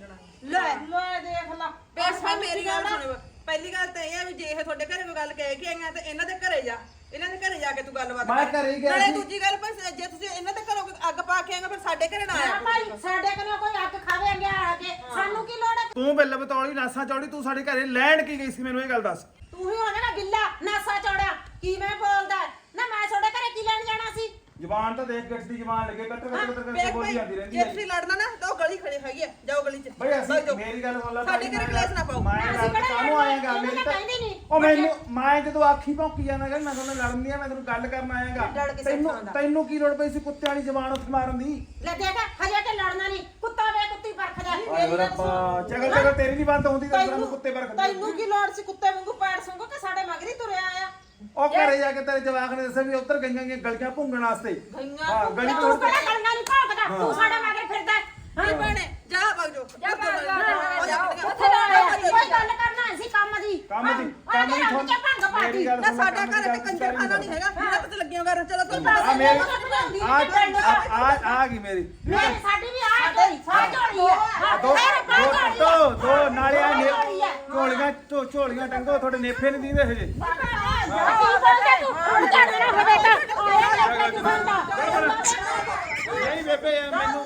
S2: ਲੈ ਲੈ ਦੇਖ ਲੈ ਬਸ ਮੈਂ ਮੇਰੀ ਗੱਲ ਸੁਣ ਪਹਿਲੀ ਗੱਲ ਤਾਂ ਇਹ ਆ ਵੀ ਜੇ ਇਹ ਤੁਹਾਡੇ ਘਰੇ ਕੋਈ ਗੱਲ ਕਹਿ ਕੇ ਆਈਆਂ ਤੇ ਇਹਨਾਂ ਦੇ ਘਰੇ ਜਾ ਇਹਨਾਂ ਦੇ ਘਰੇ ਜਾ ਕੇ ਤੂੰ ਗੱਲਬਾਤ
S7: ਮੈਂ ਘਰੇ ਹੀ ਗਿਆ
S2: ਨਾਲੇ
S7: ਸੀ।
S2: ਦੂਜੀ ਗੱਲ ਪਰ ਜੇ ਤੁਸੀਂ ਇਹਨਾਂ ਦੇ ਘਰੋਂ ਕੋਈ ਅੱਗ ਪਾ ਕੇ ਆਏਗਾ ਫਿਰ ਸਾਡੇ ਘਰੇ ਨਾ ਆਇਆ
S1: ਹਾਂ ਭਾਈ ਸਾਡੇ ਕੋਲੋਂ ਕੋਈ ਅੱਗ ਖਾਵੇ ਗਿਆ ਆ ਕੇ ਸਾਨੂੰ ਕੀ ਲੋੜ ਹੈ
S7: ਤੂੰ ਬਿੱਲ ਬਤੌਲੀ ਨਾਸਾਂ ਚੌੜੀ ਤੂੰ ਸਾਡੇ ਘਰੇ ਲੈਣ ਕੀ ਗਈ ਸੀ ਮੈਨੂੰ ਇਹ ਗੱਲ ਦੱਸ
S1: ਤੂੰ ਹੀ ਹੋਣਾ ਨਾ ਗਿੱਲਾ ਨਾਸਾ ਚੌੜਿਆ ਕੀ ਮੈਂ ਬੋਲਦਾ ਨਾ ਮੈਂ ਤੁਹਾਡੇ ਘਰੇ ਕੀ ਲੈਣ ਜਾਣਾ ਸੀ
S7: ਜ਼ਬਾਨ ਤਾਂ ਦੇਖ ਗੱਟ ਦੀ ਜ਼ਬਾਨ ਲੱਗੇ ਕੱਟ ਕੱਟ ਕੱਟ ਕੱਟ
S2: ਵੇਖ
S7: ਬੋਲੀ
S2: ਭਾਈ
S7: ਜਾਂਦੀ ਰਹਿੰਦੀ
S2: ਜੇ
S7: ਹੈ
S2: ਤੁਸੀਂ ਲੜਨਾ ਨਾ ਤਾਂ ਉਹ ਗਲੀ ਖੜੀ ਹੈਗੀ ਆ ਜਾਓ ਗਲੀ 'ਚ
S7: ਬਈ ਅਸੀਂ
S2: ਬਹਿ ਜਾਓ।
S7: ਮੇਰੀ ਗੱਲ ਸੁਣ ਲੈ
S2: ਸਾਡੇ ਘਰੇ ਕਲੇਸ਼ ਨਾ ਪਾਓ
S7: ਮੈਂ
S1: ਅਸੀਂ
S7: ਗੱਲ
S1: ਕਿਹੜਾ
S7: ਕਾਹਨੂੰ ਆਏਗਾ
S1: ਲੜਨਾ,
S7: ਮੇਰੀ ਤਾਂ
S1: ਕਹਿੰਦੀ ਨਹੀਂ।
S7: ਉਹ ਮੈਨੂੰ ਮੈਂ ਜਦੋਂ ਆਖੀ ਭੌਂਕੀ ਜਾਣਾ ਗਾ ਮੈਂ ਤੁਹਾਨੂੰ ਲੜਨ ਨਹੀਂ ਆ ਮੈਂ ਤੈਨੂੰ ਗੱਲ ਕਰਨ ਆਏਗਾ
S1: ਲੜ ਕਿਸੇ
S7: ਤੈਨੂੰ
S1: ਥਾਂ ਦਾ।
S7: ਤੈਨੂੰ ਕੀ ਲੋੜ ਪਈ ਸੀ ਕੁੱਤੇ ਵਾਲੀ ਜ਼ਬਾਨ ਉੱਥੇ ਮਾਰਨ ਦੀ
S1: ਲੈ ਦੇਖ ਹਜੇ ਤੇ ਲੜਨਾ ਨਹੀਂ ਕੁੱਤਾ ਵੇ ਕੁੱਤੀ ਪਰਖਦਾ
S7: ਆਏ ਰੱਬਾ ਚਗਲ ਚਗਲ ਤੇਰੀ ਨਹੀਂ ਬੰਦ ਹੁੰਦੀ ਤਾਂ ਤੈਨੂੰ ਕੁੱਤੇ ਪਰ
S2: ਤੈਨੂੰ ਕੀ ਲੋੜ ਸੀ ਕੁੱਤੇ ਵਾਂਗੂ ਪੈਰ ਸੰਗੋ ਕਿ ਸਾਡੇ ਮਗਰੀ ਤੁਰਿਆ ਆ
S7: ਉਹ ਘਰੇ ਜਾ ਕੇ ਤੇਰੇ ਜਵਾਕ ਨੇ ਦੱਸਿਆ ਵੀ ਉੱਧਰ ਗਈਆਂ ਗਈਆਂ ਗਲੀਆਂ ਭੁੰਗਣ ਵਾਸਤੇ
S2: ਗਈਆਂ
S7: ਹਾਂ ਗਲੀ
S1: ਤੂੰ
S7: ਤੋਂ
S1: ਕਿਹੜਾ ਲੜਨਾ ਨਹੀਂ ਭੌਂਕਦਾ ਤੂੰ ਸਾਡੇ ਮਗਰ ਫਿਰਦਾ
S2: ਹਾਂ ਭੈਣੇ ਜਾ ਵਗ ਜਾਓ
S1: ਜਾ
S2: ਉੱਥੇ
S1: ਉੱਥੇ ਲੜਿਆ ਕੋਈ ਗੱਲ ਕਰਨਾ ਸੀ ਕੰਮ ਦੀ
S7: ਕੰਮ ਦੀ
S1: ਕੰਮ ਦੀ
S7: ਤੁਹਾਨੂੰ-
S1: ਭੰਗ ਪਾਤੀ
S7: ਮੇਰੀ ਗੱਲ
S2: ਨਾ
S7: ਸੁਣ,
S2: ਸਾਡਾ
S7: ਕੰਮ ਦੀ
S2: ਘਰ
S7: ਗੱਲ
S2: ਤੇ ਕੰਜਰ ਖਾਨਾ ਨਹੀਂ ਹੈਗਾ ਇਹਨਾਂ ਤੇ ਲੱਗੀਆਂ ਕਰ ਚਲੋ ਤੂੰ
S7: ਆ ਮੇਰੀ ਆ ਆ ਆ ਗਈ ਮੇਰੀ
S1: ਮੇਰੀ ਸਾਡੀ ਵੀ ਆ ਗਈ ਸਾ ਝੋਲੀ ਹੈ
S7: ਦੋ
S1: ਫਿਰ ਪਾ
S7: ਦੋ
S1: ਝੋਲੀ
S7: ਦੋ ਦੋ ਨਾਲੇ ਆ ਨੇ
S1: ਝੋਲੀ ਹੈ।
S7: ਝੋਲੀਆਂ ਝੋ- ਝੋਲੀਆਂ ਟੰਗੋ ਤੁਹਾਡੇ ਨੇਫੇ ਨਹੀਂ ਦੀਦੇ ਹਜੇ
S1: ਕੀ ਬੋਲਦਾ ਤੂੰ ਹੁਣ ਝੜਨਾ ਹੋਵੇ ਤਾਂ ਆਇਆ ਲੱਗ ਕੇ ਬੰਦਾ
S7: ਨਹੀਂ ਬੇਬੇ ਇਹ ਮੈਨੂੰ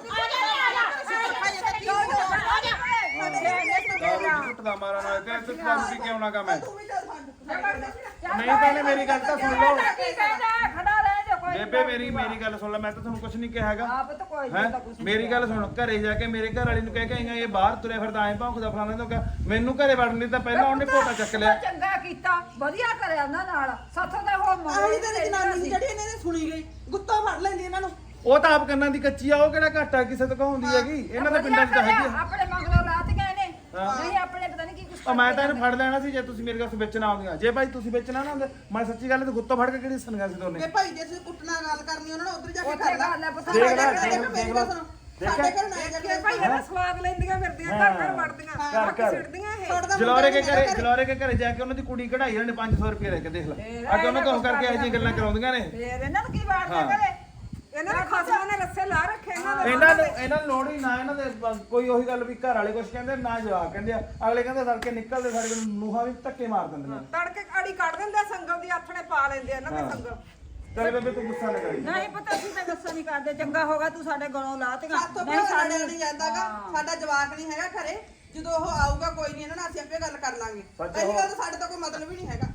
S7: ਕੁੱਟਦਾ ਮਾਰਾ ਨਾ ਕਹਿ ਤੂੰ ਕੰਮ ਕੀ ਕਿਉਂ ਨਾ ਕਾ ਮੈਂ ਨਹੀਂ ਪਹਿਲੇ ਮੇਰੀ ਗੱਲ ਤਾਂ ਸੁਣ ਲਓ
S5: ਖੜਾ ਰਹਿ ਜਾ ਕੋਈ
S7: ਬੇਬੇ ਮੇਰੀ ਮੇਰੀ ਗੱਲ ਸੁਣ ਲੈ ਮੈਂ ਤਾਂ ਤੁਹਾਨੂੰ ਕੁਝ ਨਹੀਂ ਕਿਹਾ ਹੈਗਾ
S5: ਆਪ ਤਾਂ ਕੋਈ
S7: ਹੈਂ? ਮੇਰੀ ਗੱਲ ਸੁਣ ਘਰੇ ਜਾ ਕੇ ਮੇਰੇ ਘਰ ਵਾਲੀ ਨੂੰ ਕਹਿ ਕੇ ਆਈਆਂ ਇਹ ਬਾਹਰ ਤੁਰਿਆ ਫਿਰਦਾ ਐਂ ਭੌਂਕਦਾ ਫਲਾਣਾ ਤੋਂ ਕਿਹਾ ਮੈਨੂੰ ਘਰੇ ਵੜਨ ਦੀ ਤਾਂ ਪਹਿਲਾਂ ਉਹਨੇ ਘੋਟਾ ਚੱਕ ਲਿਆ
S5: ਚੰਗਾ ਕੀਤਾ ਵਧੀਆ ਕਰਿਆ ਉਹਨਾਂ ਨਾਲ ਸਾਥੋਂ ਤਾਂ ਹੋ
S2: ਆਹੀ ਤੇ ਜਨਾਨੀ ਜਿਹੜੀ ਇਹਨੇ ਨੇ ਸੁਣੀ ਗਈ ਗੁੱਤਾ ਫੜ ਲੈਂਦੀ ਇਹਨਾਂ ਨੂੰ
S7: ਉਹ ਤਾਂ ਆਪ ਕੰਨਾਂ ਦੀ ਕੱਚੀ ਆ ਉਹ ਕਿਹੜਾ ਘਾਟਾ ਕਿਸੇ ਤੋਂ ਕਹਾਉਂਦੀ ਹੈਗੀ ਇਹਨਾਂ ਦੇ ਪਿੰਡਾਂ 'ਚ ਤਾਂ ਹੈਗੀ ਆ।
S5: ਆਪਣੇ ਮਗਰੋਂ ਲਾਤ ਗਏ ਨੇ
S7: ਹਾਂ।
S5: ਨਹੀਂ ਆਪਣੇ ਪਤਾ ਨਹੀਂ ਕੀ ਕੁਛ
S7: ਉਹ ਮੈਂ ਤਾਂ ਇਹਨੂੰ ਫੜ ਲੈਣਾ ਸੀ ਜੇ ਤੁਸੀਂ ਮੇਰੇ ਕੋਲ ਵਿੱਚ ਨਾ ਆਉਂਦੀਆਂ। ਜੇ ਭਾਈ ਤੁਸੀਂ ਵਿੱਚ ਨਾ ਨਾ ਆਉਂਦੇ ਮੈਂ ਸੱਚੀ ਗੱਲ ਤੇ ਗੁੱਤੋਂ ਫੜ ਕੇ ਕਿਹੜੀ ਸੰਗਾ ਸੀ ਦੋਨੇ।
S5: ਤੇ ਭਾਈ ਜੇ ਤੁਸੀਂ ਕੁੱਟਣਾ ਗੱਲ ਕਰਨੀ ਉਹਨਾਂ ਨਾਲ ਉਧਰ ਜਾ ਕੇ ਕਰ ਲੈ ਪੁੱਤ
S7: ਦੇਖ ਲੈ,
S5: ਸਾਡੇ
S7: ਦੇਖ
S5: ਘਰ ਮੇਰੀ ਗੱਲ ਸੁਣੋ ਸਾਡੇ ਘਰ ਨਾ ਜਾ
S8: ਭਾਈ ਇਹਦਾ ਸਵਾਦ ਲੈਂਦੀਆਂ ਫਿਰਦੀਆਂ ਘਰ ਘਰ ਵੜਦੀਆਂ
S7: ਘਰ ਘਰ
S8: ਸਿੱਟਦੀਆਂ ਇਹ
S5: ਛੱਡਦਾ
S7: ਜਲੌਰੇ ਕੇ ਘਰੇ ਜਲੌਰੇ ਕੇ ਘਰੇ ਜਾ ਕੇ ਉਹਨਾਂ ਦੀ ਕੁੜੀ ਕਢਾਈ ਉਹਨੇ ਪੰਜ ਸੌ ਰੁਪਏ ਲੈ ਕੇ ਦੇਖ ਲੈ ਅੱਗੇ ਉਹਨਾਂ ਤੋਂ ਕਰਕੇ ਇਹੋ ਜਿਹੀਆਂ ਗੱਲਾਂ ਕਰਾਉਂਦੀਆਂ ਨੇ।
S8: ਫੇਰ ਇਹਨਾਂ ਨੂੰ ਕੀ ਵਾਰਦੇ ਕਰੇ ਇਹਨਾਂ ਦੇ ਖਸਮਾਂ ਨੇ ਰੱਸੇ ਲਾ ਰੱਖੇ ਇਹਨਾਂ ਦੇ
S7: ਇਹਨਾਂ ਨੂੰ ਇਹਨਾਂ ਨੂੰ ਲੋੜ ਹੀ ਨਾ ਇਹਨਾਂ ਦੇ ਬਸ ਕੋਈ ਉਹੀ ਗੱਲ ਵੀ ਘਰ ਵਾਲੇ ਕੁਝ ਕਹਿੰਦੇ ਨਾ ਜਵਾਬ ਕਹਿੰਦੇ ਆ ਅਗਲੇ ਕਹਿੰਦੇ ਸੜਕੇ ਨਿਕਲਦੇ ਸਾਡੇ ਕੋਲ ਨੂਹਾਂ ਵੀ ਧੱਕੇ ਮਾਰ ਦਿੰਦੀਆਂ।
S8: ਤੜਕੇ ਆੜੀ ਕੱਢ ਦਿੰਦੇ ਆ, ਸੰਗਲ ਦੀ ਆਥਣੇ ਪਾ ਲੈਂਦੇ ਆ ਇਹਨਾਂ ਦੇ ਸੰਗਲ।
S7: ਚੱਲ ਬੇਬੇ ਤੂੰ ਗੁੱਸਾ ਨਾ ਕਰੀ।
S8: ਨਹੀਂ ਪਤਾ ਅਸੀਂ ਤਾਂ ਗੁੱਸਾ ਨਹੀਂ ਕਰਦੇ, ਚੰਗਾ ਹੋਗਾ ਤੂੰ ਸਾਡੇ ਗਲੋਂ ਲਾਤੀਆਂ।
S5: ਸਾਥੋਂ ਕੋਈ ਸਾਡੇ ਨਹੀਂ ਜਾਂਦਾਗਾ ਸਾਡਾ ਜਵਾਕ ਨਹੀਂ ਹੈਗਾ ਘਰੇ ਜਦੋਂ ਉਹ ਆਊਗਾ ਕੋਈ ਨਹੀਂ ਇਹਨਾਂ ਨਾਲ ਅਸੀਂ ਆਪੇ ਗੱਲ ਕਰ ਲਾਂਗੇ ਪਹਿਲੀ ਗੱਲ ਤਾਂ ਸਾਡੇ ਤਾਂ ਕੋਈ ਮਤਲਬ ਹੀ ਨਹੀਂ ਹੈਗਾ।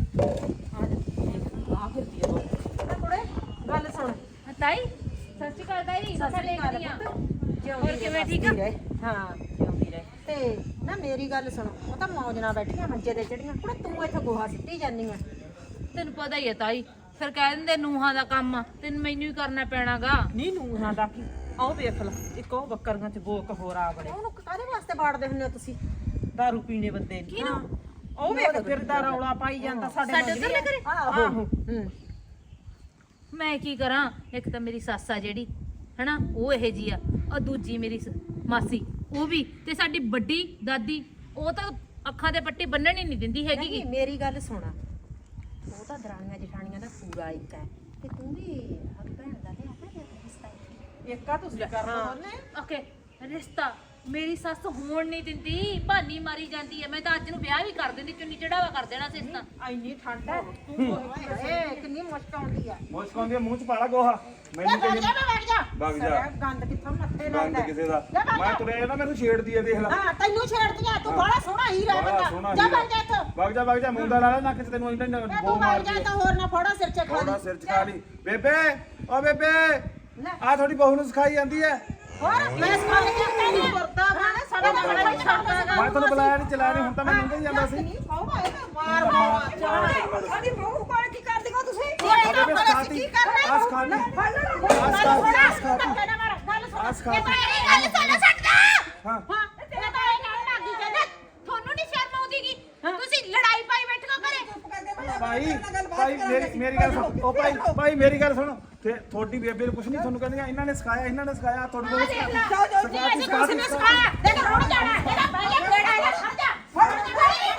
S1: ਆ ਫਿਰਦੀ ਆ ਕੁੜੇ ਗੱਲ ਸੁਣ
S6: ਤਾਈ ਸਤਿ ਸ਼੍ਰੀ ਅਕਾਲ ਤਾਈ ਮੱਥਾ ਟੇਕਦੀ ਆ।
S1: ਹੋਰ
S6: ਕਿਵੇਂ ਠੀਕ ਆ?
S1: ਹਾਂ ਜਿਉਂਦੀ ਰਹੇ ਤੇ ਨਾ ਮੇਰੀ ਗੱਲ ਸੁਣ ਉਹ ਤਾਂ ਮੌਜ ਨਾਲ ਬੈਠੀਆਂ ਮੰਜੇ ਤੇ ਚੜੀਆਂ ਕੁੜੇ ਤੂੰ ਇੱਥੇ ਗੋਹਾ ਸਿੱਟੀ ਜਾਂਦੀ ਆ।
S6: ਤੈਨੂੰ ਪਤਾ ਹੀ ਹੈ ਤਾਈ ਫਿਰ ਕਹਿ ਦਿੰਦੇ ਨੂਹਾਂ ਦਾ ਕੰਮ ਆ, ਤੈਨੂੰ ਮੈਨੂੰ ਹੀ ਕਰਨਾ ਪੈਣਾਗਾ।
S2: ਨਹੀਂ ਨੂੰਹਾਂ ਦਾ ਕੀ ਆਓ ਵੇਖ ਲਾ ਇੱਕ ਉਹ ਬੱਕਰੀਆਂ ਚ ਗੋਕ ਹੋਰ ਆ ਬੜੇ
S1: ਉਹਨੂੰ ਕਾਹਦੇ ਵਾਸਤੇ ਬਾੜਦੇ ਹੁੰਦੇ ਹੋ ਤੁਸੀਂ?
S2: ਦਾਰੂ ਪੀਣੇ ਬੰਦੇ ਨੂੰ ਉਹ ਵੇਖ ਫਿਰਦਾ ਰੌਲਾ ਪਾਈ ਜਾਂਦਾ ਸਾਡੇ
S6: ਸਾਡੇ ਉੱਧਰਲੇ ਘਰੇ?
S2: ਆਹੋ
S1: ਹੂੰ
S6: ਮੈਂ ਕੀ ਕਰਾਂ, ਇੱਕ ਤਾਂ ਮੇਰੀ ਸੱਸ ਆ ਜਿਹੜੀ ਹਨਾ ਉਹ ਇਹੋ ਜੀ ਆ, ਔਰ ਦੂਜੀ ਮੇਰੀ ਸ- ਮਾਸੀ ਉਹ ਵੀ, ਤੇ ਸਾਡੀ ਵੱਡੀ ਦਾਦੀ ਉਹ ਤਾਂ ਅੱਖਾਂ ਦੇ ਪੱਟੀ ਬੰਨਣ ਹੀ ਨਹੀਂ ਦਿੰਦੀ ਹੈਗੀ ਗੀ।
S1: ਨਹੀਂ ਮੇਰੀ ਗੱਲ ਸੁਣ ਉਹ ਤਾਂ ਦਰਾਣੀਆਂ ਜਠਾਣੀਆਂ ਦਾ ਪੂਰਾ ਇੱਕ ਹੈ ਤੇ ਤੂੰ ਵੀ ਹਰ ਭੈਣ ਦਾ ਲਿਆ ਆਪਣੇ ਰਿਸ਼ਤਾ ਹੈ।
S2: ਇੱਕ ਆ ਤੁਸੀਂ ਕਰਨਾ ਉਹਨੇ
S6: ਓਕੇ ਰਿਸ਼ਤਾ ਮੇਰੀ ਸੱਸ ਹੋਣ ਨਹੀਂ ਦਿੰਦੀ, ਭਾਨੀ ਮਾਰੀ ਜਾਂਦੀ ਹੈ। ਮੈਂ ਤਾਂ ਅੱਜ ਨੂੰ ਵਿਆਹ ਵੀ ਕਰ ਦਿੰਦੀ, ਚੁੰਨੀ ਚੜਾਵਾ ਕਰ ਦੇਣਾ ਸੀ ਇਸ ਤਾਂ।
S2: ਇੰਨੀ ਠੰਡ ਹੈ ਤੂੰ
S1: ਏ ਕਿੰਨੀ ਮੁਸ਼ਕ ਆਉਂਦੀ ਆ।
S7: ਮੁਸ਼ਕ ਆਉਂਦੀ ਆ ਮੂੰਹ ਚ ਪਾਲਾ ਗੋਹਾ ਮੈਨੂੰ
S1: ਵਗ
S7: ਕਹੀ
S1: ਜਾ ਵਗ ਜਾ
S7: ਵਗ ਜਾ
S1: ਗੰਦ ਕਿੱਥੋਂ ਮੱਥੇ
S7: ਗੰਦ
S1: ਲੱਗਦਾ
S7: ਕਿਸੇ ਦਾ ਮੈਂ ਤੁਰਿਆ ਨਾ ਮੈਨੂੰ ਛੇੜਦੀ ਆ ਦੇਖ ਲੈ।
S1: ਹਾਂ ਤੈਨੂੰ ਛੇੜਦੀ ਆ ਤੂੰ ਬੜਾ ਸੋਹਣਾ ਹੀਰਾ
S7: ਬੜਾ ਸੋਹਣਾ
S1: ਬੰਦਾ ਜਾ
S7: ਹੀਰਾ।
S1: ਵਗ ਜਾ ਇੱਥੋਂ
S7: ਵਗ ਜਾ ਵਗ ਜਾ ਮੁੰਡਾ ਲਾ ਲੈ ਨੱਕ ਚ ਤੈਨੂੰ ਇੰਨਾ
S1: ਤੇ
S7: ਬੋ
S1: ਤੂੰ ਵਗ
S7: ਮਾਰਦੀ
S1: ਜਾ
S7: ਆ।
S1: ਤਾਂ ਹੋਰ ਨਾ ਫੋੜਾ ਸਿਰ ਚ ਖਾ
S7: ਥੋੜਾ
S1: ਲਈ
S7: ਸਿਰ ਚ ਖਾ ਲਈ। ਬੇਬੇ ਓ ਬੇਬੇ ਆ ਤੁਹਾਡੀ ਬਹੂ ਨੂੰ ਸਿਖਾਈ ਜਾਂਦੀ ਹੈ।
S1: ਹੋਰ ਮੈਂ ਸਿਖਾ ਕੇ ਕਹਿੰਦੀ ਵਰਤਾ ਬਾਣੇ ਸਾਡਾ ਗਾਣਾ ਨਹੀਂ ਛੱਡਦਾ
S7: ਮੈਂ ਤੁਹਾਨੂੰ ਬੁਲਾਇਆ ਨਹੀਂ ਚਲਾਇਆ ਨਹੀਂ ਹੁਣ ਤਾਂ ਮੈਂ ਨਿਕਲ ਹੀ ਜਾਂਦਾ ਸੀ।
S1: ਮਾਰ ਮਾਰ
S8: ਸਾਡੀ ਬਹੂ ਕੋਲ ਕੀ ਕਰਦੀ ਹੋ ਤੁਸੀਂ?
S7: ਬੇਬੇ ਸਿਖਾਤੀ ਆ ਸਿਖਾਤੀ ਆ ਸਿਖਾਤੀ ਆ ਸਿਖਾਤੀ ਆ ਸਿਖਾਤੀ
S6: ਗੱਲ ਸੁਣ ਸਕਦਾ
S7: ਹਾਂ
S6: ਹਾਂ ਤੇ ਤਾਂ ਇਹ ਕਹਿਣ ਲੱਗੀ ਕਹਿੰਦਾ ਤੁਹਾਨੂੰ ਨਹੀਂ ਸ਼ਰਮ ਆਉਂਦੀ ਗੀ, ਤੁਸੀਂ ਲੜਾਈ ਪਾਈ ਬੈਠੋ ਘਰੇ।
S7: ਭਾਈ ਭਾਈ ਮੇਰੀ ਮੇਰੀ ਗੱਲ ਸੁਣ ਉਹ ਭਾਈ ਭਾਈ ਮੇਰੀ ਗੱਲ ਸੁਣ ਤੇ ਤੁਹਾਡੀ ਬੇਬੇ ਨੂੰ ਕੁਛ ਨਹੀਂ ਤੁਹਾਨੂੰ ਕਹਿੰਦੀਆਂ ਇਹਨਾਂ ਨੇ ਸਿਖਾਇਆ ਇਹਨਾਂ ਨੇ ਸਿਖਾਇਆ ਤੁਹਾਡੇ ਕੋਲ ਸਿਖਾਤੀ ਸਿਖਾਤੀ ਸਿਖਾਤੀ
S6: ਦੇਖ ਰੋਣ ਜਾਣਾ ਇਹਦਾ ਪਹਿਲੇ ਕਿਹੜਾ ਹੈ ਖੜ ਜਾ ਫੜ ਜਾ।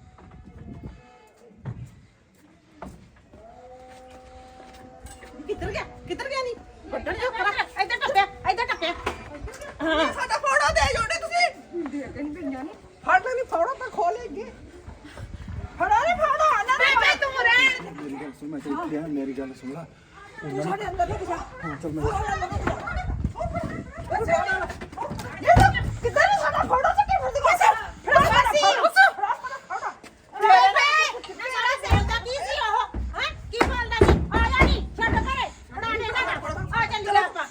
S2: ਕਿੱਧਰ ਗਿਆ ਕਿੱਧਰ ਗਿਆ ਨਹੀਂ
S6: ਵੱਡਣ ਜੋ ਕਰ ਇੱਧਰ ਟੱਪਿਆ ਇੱਧਰ ਟੱਪਿਆ।
S5: ਸਾਡਾ ਫੋੜਾ ਦੇ ਜੋੜੇ ਤੁਸੀਂ
S8: ਦੇ ਕਹਿੰਦੀ ਪਈਆਂ ਨੇ ਫੜ ਲੈਣੀ ਫੋੜਾ ਤਾਂ ਖੋਲੇਗੀ ਫੜਾ ਨਹੀਂ ਫੋੜਾ ਨਾ
S6: ਬੇਬੇ ਤੂੰ ਰਹਿਣ
S7: ਮੇਰੀ ਗੱਲ ਸੁਣ ਮੈਂ ਤੇ ਇੱਥੇ ਆ ਮੇਰੀ ਗੱਲ ਸੁਣ ਲਾ
S8: ਤੂੰ ਸਾਡੇ ਅੰਦਰ ਲੈ ਜਾ
S7: ਹਾਂ ਚੱਲ ਮੈਂ
S8: ਕਿੱਧਰ ਸਾਡਾ ਫੋੜਾ ਚੱਕੇ ਫਿਰਦੀ ਬਸ
S6: ਫੜਾ ਮਾਸੀ ਬੇਬੇ ਨਾ ਸਾਰਾ ਸੇਲ ਦਾ ਕੀ ਸੀ ਉਹ ਹਾਂ ਕੀ ਬੋਲਦਾ ਸੀ ਆ ਜਾ ਨਹੀਂ ਛੱਡ ਘਰੇ ਫੜਾ ਦੇ ਨਾ ਆ ਚੱਲ ਆਪਾਂ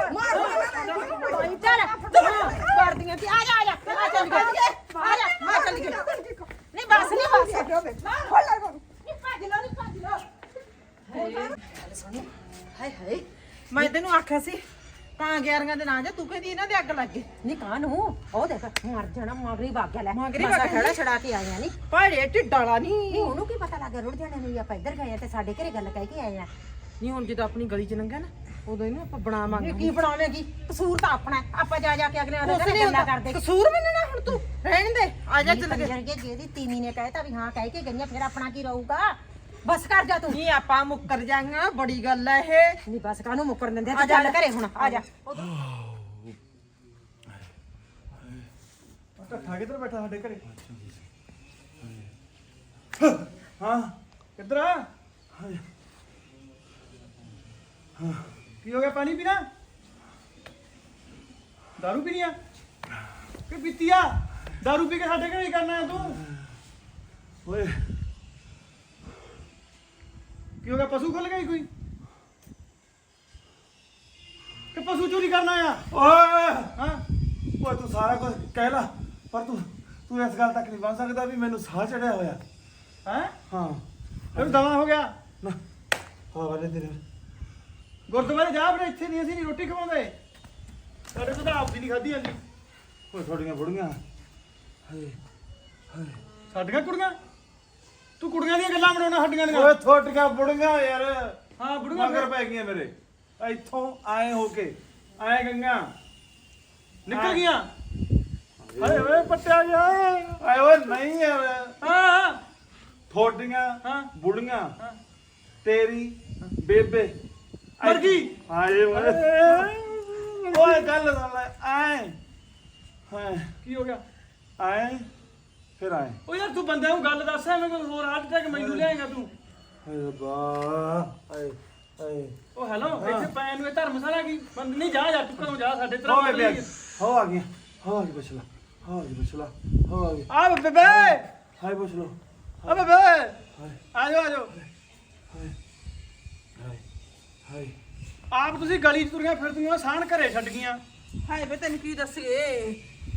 S6: ਚੱਲ
S1: ਕਰਦੀਆਂ ਸੀ ਆ ਜਾ ਆ ਜਾ ਆ ਚੱਲ ਗਿਆ ਆ ਜਾ ਮੈਂ ਚੱਲ ਗਿਆ ਨਹੀਂ ਬਸ ਨਹੀਂ ਬਸ
S8: ਫੜ ਲੈ ਬਾਬੂ
S6: ਨਹੀਂ ਭੱਜ ਲੋ ਨਹੀਂ ਭੱਜ ਲੋ
S1: ਹਾਏ ਹਾਏ
S2: ਮੈਂ ਤੈਨੂੰ ਆਖਿਆ ਸੀ ਤਾਂ ਗਿਆਰੀਆਂ ਦੇ ਨਾਂ ਜਾ ਤੂੰ ਕਹਿੰਦੀ ਇਹਨਾਂ ਦੇ ਅੱਗ ਲੱਗ ਗਈ
S1: ਨੀ ਕਾਹਨੂੰ ਉਹ ਦੇਖ ਮਰ ਜਾਣਾ ਮਗਰੀ ਵਗ ਗਿਆ ਲੈ
S2: ਮਗਰੀ
S1: ਮਸਾਂ
S2: ਵਗ ਗਿਆ।
S1: ਖੜਾ ਛੜਾ ਕੇ ਆਈਆਂ ਨੀ
S2: ਭਾੜੇ ਢਿੱਡਾਲਾ ਨਹੀਂ
S1: ਨਹੀਂ ਉਹਨੂੰ ਕੀ ਪਤਾ ਲੱਗ ਗਿਆ ਰੁੜ ਜਾਣੇ ਨੂੰ ਵੀ ਆਪਾਂ ਇੱਧਰ ਗਏ ਆ ਤੇ ਸਾਡੇ ਘਰੇ ਗੱਲ ਕਹਿ ਕੇ ਆਏ ਆ।
S2: ਨਹੀਂ ਹੁਣ ਜਦੋਂ ਆਪਣੀ ਗਲੀ ਚ ਲੰਘਿਆ ਨਾ ਉਦੋਂ ਇਹਨੂੰ ਆਪਾਂ ਬਣਾਵਾਂਗੇ
S1: ਇਹ ਕੀ ਬਣਾਵੇਂਗੀ ਕਸੂਰ ਤਾਂ ਆਪਣਾ ਹੈ। ਆਪਾਂ ਜਾ ਜਾ ਕੇ ਅਗਲੇ ਦੇ
S2: ਕੁਛ
S1: ਘਰੇ
S2: ਨਹੀਂ
S1: ਗੱਲਾਂ
S2: ਹੁੰਦਾ
S1: ਕਰਦੇ
S2: ਕਸੂਰ ਮੰਨਣਾ ਹੁਣ ਤੂੰ ਰਹਿਣ ਦੇ ਆ ਜਾ ਚੱਲ ਗਏ
S1: ਕੇ ਜਿਹਦੀ ਤੀਵੀਂ ਨੇ ਕਹਿਤਾ ਵੀ ਹਾਂ ਕਹਿ ਕੇ ਗਈਆਂ ਫਿਰ ਆਪਣਾ ਕੀ ਰਹੂਗਾ ਬਸ ਕਰ ਜਾ ਤੂੰ
S2: ਨਹੀਂ ਆਪਾਂ ਮੁੱਕਰ ਜਾਾਂਗਾ ਬੜੀ ਗੱਲ ਹੈ ਇਹ
S1: ਨਹੀਂ ਬਸ ਕਾਹਨੂੰ ਮੁੱਕਰਨ ਦਿੰਦੇ
S2: ਆ
S1: ਤੂੰ
S2: ਜਾ
S1: ਚੱਲ ਘਰੇ ਹੁਣ ਆ ਜਾ
S7: ਇਕੱਠਾ ਕਿੱਧਰ ਬੈਠਾ ਸਾਡੇ ਘਰੇ ਹਾਂ ਕਿੱਧਰ ਆ ਹਾਂ ਕੀ ਹੋ ਗਿਆ ਪਾਣੀ ਪੀਣਾ ਦਾਰੂ ਪੀਣੀ ਆ ਕਿ ਪੀਤੀ ਆ ਦਾਰੂ ਪੀ ਕੇ ਸਾਡੇ ਘਰੇ ਹੀ ਕਰਨਾ ਹੈ ਤੂੰ ਓਏ ਕੀ ਹੋ ਗਿਆ ਪਸ਼ੂ ਖੁੱਲ ਗਈ ਕੋਈ ਕਿ ਪਸ਼ੂ ਚੋਰੀ ਕਰਨਾ ਆ ਓਏ ਹਾਂ ਓਏ ਤੂੰ ਸਾਰਾ ਕੁਝ ਕਹਿ ਲਾ ਪਰ ਤੂੰ ਤੂੰ ਇਸ ਗੱਲ ਤੱਕ ਨਹੀਂ ਬਣ ਸਕਦਾ ਵੀ ਮੈਨੂੰ ਸਾਹ ਚੜਿਆ ਹੋਇਆ ਹੈ ਹਾਂ ਇਹਨੂੰ ਦਵਾ ਹੋ ਗਿਆ ਨਾ ਹਾਂ ਵਾਲੇ ਤੇਰੇ ਗੁਰਦੁਆਰੇ ਜਾ ਬਰੇ ਇੱਥੇ ਨਹੀਂ ਅਸੀਂ ਨਹੀਂ ਰੋਟੀ ਖਵਾਉਂਦੇ ਸਾਡੇ ਕੋਲ ਤਾਂ ਆਪ ਦੀ ਨਹੀਂ ਖਾਧੀ ਜਾਂਦੀ ਓਏ ਥੋੜੀਆਂ ਬੁੜੀਆਂ ਹਾਏ ਹਾਏ
S3: ਸਾਡੀਆਂ ਕੁੜੀਆਂ ਤੂੰ ਕੁੜੀਆਂ ਦੀਆਂ ਗੱਲਾਂ ਬਣਾਉਣਾ ਸਾਡੀਆਂ ਦੀਆਂ
S7: ਓਏ ਥੋਟੀਆਂ ਬੁੜੀਆਂ ਯਾਰ
S3: ਹਾਂ ਬੁੜੀਆਂ
S7: ਮਗਰ ਪੈ ਗਈਆਂ ਮੇਰੇ ਇੱਥੋਂ ਆਏ ਹੋ ਕੇ ਆਏ ਗੰਗਾ
S3: ਨਿਕਲ ਗਈਆਂ ਹਾਏ ਓਏ ਪੱਟਿਆ ਜਾ
S7: ਆਏ ਓਏ ਨਹੀਂ ਯਾਰ
S3: ਹਾਂ
S7: ਥੋਟੀਆਂ
S3: ਹਾਂ।
S7: ਬੁੜੀਆਂ ਤੇਰੀ ਬੇਬੇ
S3: ਮਰ ਗਈ
S7: ਹਾਏ ਓਏ ਓਏ ਗੱਲ ਸੁਣ ਲੈ ਆਏ ਹਾਂ
S3: ਕੀ ਹੋ ਗਿਆ
S7: ਆਏ ਫਿਰ ਆਏ
S3: ਓ ਯਾਰ ਤੂੰ ਬੰਦੇ ਨੂੰ ਗੱਲ ਦੱਸ ਐਵੇਂ ਕੋਈ ਹੋਰ ਆਜ ਤੱਕ ਮੈਨੂੰ ਲਿਆਏਗਾ ਤੂੰ
S7: ਹਾਏ ਰੱਬਾ ਹਾਏ ਹਾਏ
S3: ਓ ਹੈਲੋ ਇੱਥੇ ਪੈਨ ਨੂੰ ਇਹ ਧਰਮਸ਼ਾਲਾ ਕੀ ਬੰਦ ਨਹੀਂ ਜਾ ਜਾ ਤੂੰ ਘਰੋਂ ਜਾ ਸਾਡੇ
S7: ਹੋ
S3: ਤਰ੍ਹਾਂ
S7: ਬੇਬੇ ਹੋ ਆ ਗਿਆ ਹੋ ਆ ਗਈ ਬਚਲਾ ਹੋ ਆ ਗਈ ਬਚਲਾ ਹੋ ਆ ਗਈ
S3: ਆ ਬੇਬੇ
S7: ਹਾਏ ਬਚਲੋ
S3: ਆ ਬੇਬੇ ਆ ਜਾਓ ਆ ਜਾਓ
S7: ਹਾਏ ਹਾਏ ਹਾਏ
S3: ਆਪ ਤੁਸੀਂ ਗਲੀ 'ਚ ਤੁਰੀਆਂ ਫਿਰਦੀਆਂ ਸਾਨ ਘਰੇ ਛੱਡ ਗਈਆਂ
S5: ਹਾਏ ਵੇ ਤੈਨੂੰ ਕੀ ਦੱਸੀਏ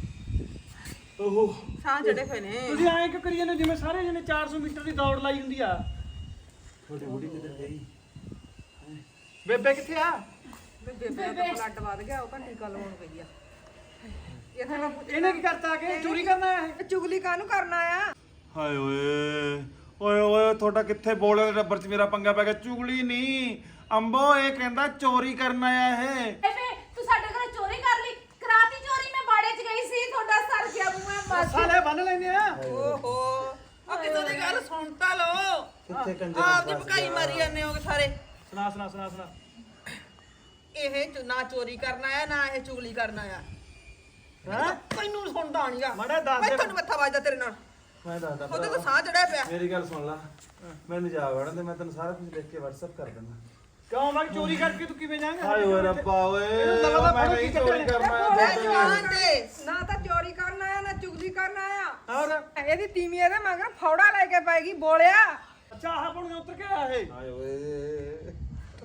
S7: ਓਹ
S5: ਸਾਹ ਚੜੇ ਹੋਏ ਨੇ
S3: ਤੁਸੀਂ ਐਂ ਕਿਉਂ ਕਰੀ ਜਾਂਦੇ ਹੋ ਜਿਵੇਂ ਸਾਰੇ ਜਣੇ ਚਾਰ ਸੌ ਮੀਟਰ ਦੀ ਦੌੜ ਲਾਈ ਹੁੰਦੀ ਆ
S7: ਛੋਟੀ ਬੁੜੀ ਕਿੱਧਰ ਗਈ
S3: ਬੇਬੇ ਕਿੱਥੇ ਆ
S5: ਬੇਬੇ ਦਾ ਬਲੱਡ ਵੱਧ ਗਿਆ ਉਹ ਘੰਟੀ ਗੱਲ ਹੋਣ ਪਈ ਆ ਇਹ ਤਾਂ
S3: ਇਹਨੇ ਕੀ ਕਰਤਾ ਆ ਕੇ ਚੋਰੀ ਕਰਨਾ ਆ ਇਹ
S5: ਚੁਗਲੀ ਕਾਹਨੂੰ ਕਰਨਾ ਆ
S7: ਹਾਏ ਓਏ ਓਏ ਓਏ ਤੁਹਾਡਾ ਕਿੱਥੇ ਬੋਲੇ ਰੱਬਰ ਚ ਮੇਰਾ ਪੰਗਾ ਪੈ ਗਿਆ ਚੁਗਲੀ ਨਹੀਂ ਅੰਬੋ ਇਹ ਕਹਿੰਦਾ ਚੋਰੀ ਕਰਨ ਆਇਆ ਇਹ
S6: ਬੇਬੇ ਤੂੰ ਸਾਡੇ ਘਰੇ ਚੋਰੀ ਕਰ ਲਈ ਕਰਾਤੀ ਚੋਰੀ ਮੈਂ ਬਾੜੇ 'ਚ ਗਈ ਸੀ ਤੁਹਾਡਾ ਸਰ ਗਿਆ ਮੂੰਹ ਮਰ
S3: ਸਾਲੇ ਬੰਨ ਲੈਂਦੇ ਆ
S5: ਓਹੋ ਆ ਕਿਤੋਂ ਦੀ ਗੱਲ ਸੁਣ ਤਾਂ ਲੋ
S7: ਕਿੱਥੇ ਕੰਜਰ
S5: ਆਪ ਦੀ ਭਕਾਈ ਮਾਰੀ ਜਾਂਦੇ ਹੋਗੇ ਸਾਰੇ
S3: ਸੁਣਾ ਸੁਣਾ ਸੁਣਾ ਸੁਣਾ
S5: ਇਹ ਚ- ਨਾ ਚੋਰੀ ਕਰਨ ਆਇਆ ਨਾ ਇਹ ਚੁਗਲੀ ਕਰਨ ਆਇਆ ਹਾਂ ਤੈਨੂੰ ਸੁਣਦਾ ਨਹੀਂਗਾ
S3: ਮਾੜਾ ਦੱਸ ਦੇ।
S5: ਮੈਂ ਤੁਹਾਨੂੰ ਮੱਥਾ ਵੱਜਦਾ ਤੇਰੇ ਨਾਲ
S7: ਮੈਂ ਦੱਸਦਾ
S5: ਉਹਦੇ ਤਾਂ ਸਾਹ ਚੜਿਆ ਪਿਆ
S7: ਮੇਰੀ ਗੱਲ ਸੁਣ ਲੈ ਮੈਨੂੰ ਜਾ ਵੜਨ ਤੇ ਮੈਂ ਤੈਨੂੰ ਸਾਰਾ ਕੁਝ ਲਿਖ ਕੇ WhatsApp ਕਰ ਦਿੰਦਾ
S3: ਕਿਉਂ ਮੈਂ ਚੋਰੀ ਕਰਕੇ ਤੂੰ ਕਿਵੇਂ ਜਾਏਂਗਾ
S7: ਹਾਏ ਓਏ ਰੱਬਾ ਓਏ
S3: ਇਹਨੂੰ ਲਗਾਤਾਰ
S7: ਮੈਂ
S3: ਫੜੋ
S7: ਨਹੀਂ
S3: ਕੀ
S7: ਚੋਰੀ
S3: ਚੱਕਰ
S7: ਕਰਨਾ
S5: ਬੋਲੇ
S7: ਆਇਆ
S5: ਜਵਾਨ ਦੇ
S8: ਨਾ ਤਾਂ ਚੋਰੀ ਕਰਨ ਆਇਆ ਨਾ ਚੁਗਲੀ ਕਰਨ ਆਇਆ
S3: ਹੋਰ
S8: ਇਹਦੀ ਤੀਵੀਂ ਇਹਦੇ ਮਗਰ ਫੌੜਾ ਲੈ ਕੇ ਪੈਗੀ ਬੋਲਿਆ
S3: ਅੱਛਾ ਆਹ ਬਣੂ ਉਤਰ ਕੇ ਆਇਆ ਇਹ
S7: ਹਾਏ ਓਏ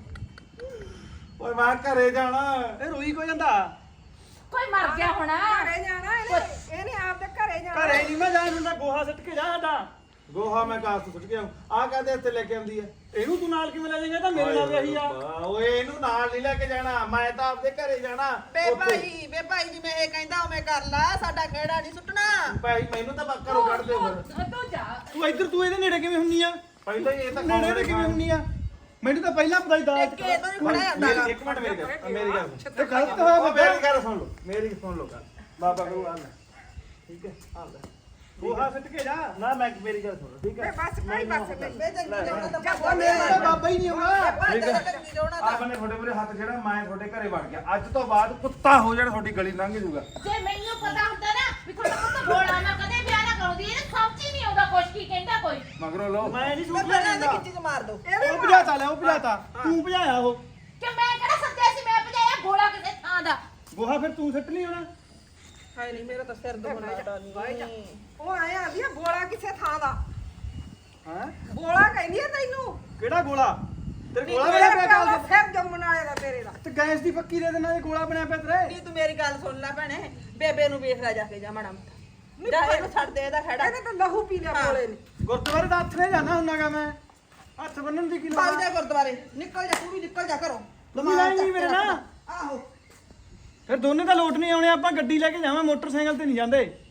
S7: ਓਏ ਮੈਂ ਘਰੇ ਜਾਣਾ
S3: ਇਹ ਰੋਈ ਕੋ ਜਾਂਦਾ
S6: ਕੋਈ ਮਰ ਗਿਆ ਹੋਣਾ
S8: ਘਰੇ ਜਾਣਾ ਇਹਨੇ ਇਹਨੇ ਆਪ ਦੇ ਘਰੇ ਜਾਣਾ
S3: ਘਰੇ ਨਹੀਂ ਮੈਂ ਜਾਣ ਹੁੰਦਾ ਗੋਹਾ ਸਿੱਟ ਕੇ ਜਾ ਸਾਡਾ
S7: ਗੋਹਾ ਮੈਂ ਕਾਸ ਤੋਂ ਸੁੱਟ ਗਿਆ ਆ ਕਾਹਦੇ ਇੱਥੇ ਲੈ ਕੇ ਆਉਂਦੀ ਹੈ
S3: ਇਹਨੂੰ ਤੂੰ ਨਾਲ ਕਿਵੇਂ ਲੈ ਜਾਏਂਗਾ ਤਾਂ ਮੇਰੇ ਨਾਲ ਵੀ ਇਹੀ ਆ
S7: ਰੱਬਾ, ਓਏ ਇਹਨੂੰ ਨਾਲ ਨਹੀਂ ਲੈ ਕੇ ਜਾਣਾ ਮੈਂ ਤਾਂ ਆਪਦੇ ਘਰੇ ਜਾਣਾ
S5: ਬੇ
S7: ਉੱਥੇ।
S5: ਭਾਈ ਬੇ ਭਾਈ ਜਿਵੇਂ ਇਹ ਕਹਿੰਦਾ ਉਵੇਂ ਕਰ ਲਾ ਸਾਡਾ ਕਿਹੜਾ ਨਹੀਂ ਸੁੱਟਣਾ
S7: ਭਾਈ ਮੈਨੂੰ ਤਾਂ ਬੱਕਰ ਨੂੰ ਕੱਢ ਦਿਓ ਫਿਰ
S6: ਤੂੰ- ਤੂੰ ਜਾ
S3: ਤੂੰ ਇੱਧਰ ਤੂੰ ਇਹਦੇ ਨੇੜੇ ਕਿਵੇਂ ਹੁੰਨੀ ਆ
S7: ਪਹਿਲਾਂ ਹੀ ਇਹ ਤਾਂ
S3: ਨੇੜੇ ਤੇ ਕਿਵੇਂ ਹੁੰਨੀ ਆ ਮੈਨੂੰ ਤਾਂ ਪਹਿਲਾਂ ਪਤਾ ਹੀ ਦਾਜ
S5: ਟੇਕੇ ਤੋਂ ਨਹੀਂ ਫੜਿਆ ਜਾਂਦਾ ਗਾ।
S7: ਮੇਰੀ ਇੱਕ ਮਿੰਟ ਮੇਰੀ ਗੱਲ ਮੇਰੀ ਗੱਲ ਸੁਣ।
S3: ਤੇ ਗਲਤ ਹੋਇਆ
S7: ਉਹ
S3: ਬਾਬਾ
S7: ਮੇਰੀ ਗੱਲ ਸੁਣ ਲਓ ਮੇਰੀ ਸੁਣ ਲਓ ਗੱਲ ਬਾਬਾ ਗੁਰੂ ਆ ਲੈ ਠੀਕ ਹੈ ਆ ਲੈ
S3: ਗੋਹਾ ਸਿੱਟ ਕੇ ਜਾ
S7: ਨਾ ਮੈਂ ਮੇਰੀ ਗੱਲ ਸੁਣ ਲਓ ਠੀਕ
S8: ਬੇ
S7: ਹੈ
S8: ਬਸ ਕੋਈ ਬਸ ਨਹੀਂ
S5: ਬੇ ਜੰਗੀ ਜਾਉਣਾ ਤਾਂ
S8: ਜਾ
S5: ਭੱਜ
S8: ਬੋਲੇ।
S5: ਜਾ।
S3: ਬਾਬਾ ਹੀ ਨਹੀਂ ਹੋਣਾ
S5: ਭੱਜ ਜਾ, ਜੰਗੀ ਜਾਉਣਾ ਤਾਂ।
S7: ਆਪ ਨੇ ਤੁਹਾਡੇ ਮੂਹਰੇ ਹੱਥ ਜਿਹੜਾ ਮੈਂ ਤੁਹਾਡੇ ਘਰੇ ਵੜ ਗਿਆ ਅੱਜ ਤੋਂ ਬਾਅਦ ਕੁੱਤਾ ਹੋ ਜਾਣਾ ਤੁਹਾਡੀ ਗਲੀ ਲੰਘ ਜਾਊਗਾ
S6: ਜੇ ਮੈਨੂੰ ਪਤਾ ਹੁੰਦਾ ਨਾ ਵੀ ਤੁਹਾਡਾ ਪੁੱਤ ਬੋਲਾ ਮੈਂ ਕਦੇ ਵਿਆਹ ਨਾ ਕਰਾਉਂਦੀ ਇਹਨੂੰ ਸਮਝ ਹੀ ਨਹੀਂ ਆਉਂਦਾ ਕੁਛ ਕੀ ਕਹਿੰਦਾ ਕੋਈ
S7: ਮਗਰੋਂ ਲਓ
S3: ਮੈਂ ਨਹੀਂ
S5: ਮੈਂ
S3: ਸੁਣ
S5: ਪਹਿਲਾਂ ਦੀ
S3: ਲੈਂਦਾ
S5: ਖਿੱਚੀ ਚ ਮਾਰ ਦੋ
S3: ਉਹ ਭਜਾਤਾ ਲੈ ਉਹ ਭਜਾਤਾ ਤੂੰ ਭਜਾਇਆ ਉਹ
S6: ਕਿ ਮੈਂ ਕਿਹੜਾ ਸੱਦਿਆ ਸੀ ਮੈਂ ਭਜਾਇਆ ਬੋਲਾ ਕਿਸੇ ਥਾਂ ਦਾ
S3: ਗੋਹਾ ਫਿਰ ਤੂੰ ਸਿੱਟ ਨਹੀਂ ਹੋਣਾ
S5: ਹਾਏ ਨਹੀਂ ਮੇਰਾ ਤਾਂ ਸਿਰ ਦੁਖਦਾ ਨਹੀਂ
S8: ਉਹ ਆਇਆ ਆਂਦੀ ਆ ਬੋਲਾ ਕਿਸੇ ਥਾਂ ਦਾ
S3: ਹਾਂ
S8: ਬੋਲਾ ਕਹਿੰਦੀ ਆ ਤੈਨੂੰ
S3: ਕਿਹੜਾ ਗੋਲਾ ਤੇਰੇ ਗੋਲਾ
S8: ਤੇਰੇ
S3: ਬਣਿਆ ਪਿਆ
S8: ਪਿਓ ਦਾ
S3: ਗੱਲ
S8: ਸਿਰ ਜੰਮਣ ਆਏਗਾ ਤੇਰੇ ਦਾ
S3: ਤੇ ਗੈਸ ਦੀ ਪੱਕੀ ਦੇ ਦੇਣਾ ਇਹ ਗੋਲਾ ਬਣਿਆ ਪਿਆ ਤੇਰੇ
S5: ਨਹੀਂ ਤੂੰ ਮੇਰੀ ਗੱਲ ਸੁਣ ਲੈ ਭੈਣੇ ਬੇਬੇ ਨੂੰ ਵੇਖ ਲੈ ਜਾ ਕੇ ਜਾ ਮਾੜਾ ਮੋਟਾ ਜਾ ਇਹਨੂੰ ਛੱਡ ਦੇ ਇਹਦਾ ਖੜਾ
S8: ਇਹਨੇ ਤਾਂ ਲਹੂ ਪੀ ਲਿਆ ਬੋਲੇ ਨੇ
S3: ਗੁਰਦੁਆਰੇ ਦਾ ਹੱਥ ਨੇ ਜਾਣਾ ਹੁੰਨਾਗਾ ਮੈਂ ਹੱਥ ਬੰਨਣ ਦੀ ਕੀ ਲੋੜ
S5: ਭਾਗ
S3: ਆ?
S5: ਜਾ ਗੁਰਦੁਆਰੇ ਨਿਕਲ ਜਾ ਤੂੰ ਵੀ ਨਿਕਲ ਜਾ ਘਰੋਂ
S3: ਤੂੰ ਵੀ ਲੈਣੀ ਮੇਰੇ ਨਾਲ
S5: ਆਹੋ
S3: ਫਿਰ ਦੋਨੇ ਤਾਂ ਲੋਟ ਨਹੀਂ ਆਉਣੇ ਆਪਾਂ ਗੱਡੀ ਲੈ ਕੇ ਜਾਵਾਂ ਮੋਟਰਸਾਈਕਲ ਤੇ ਨਹੀਂ ਜਾਂਦੇ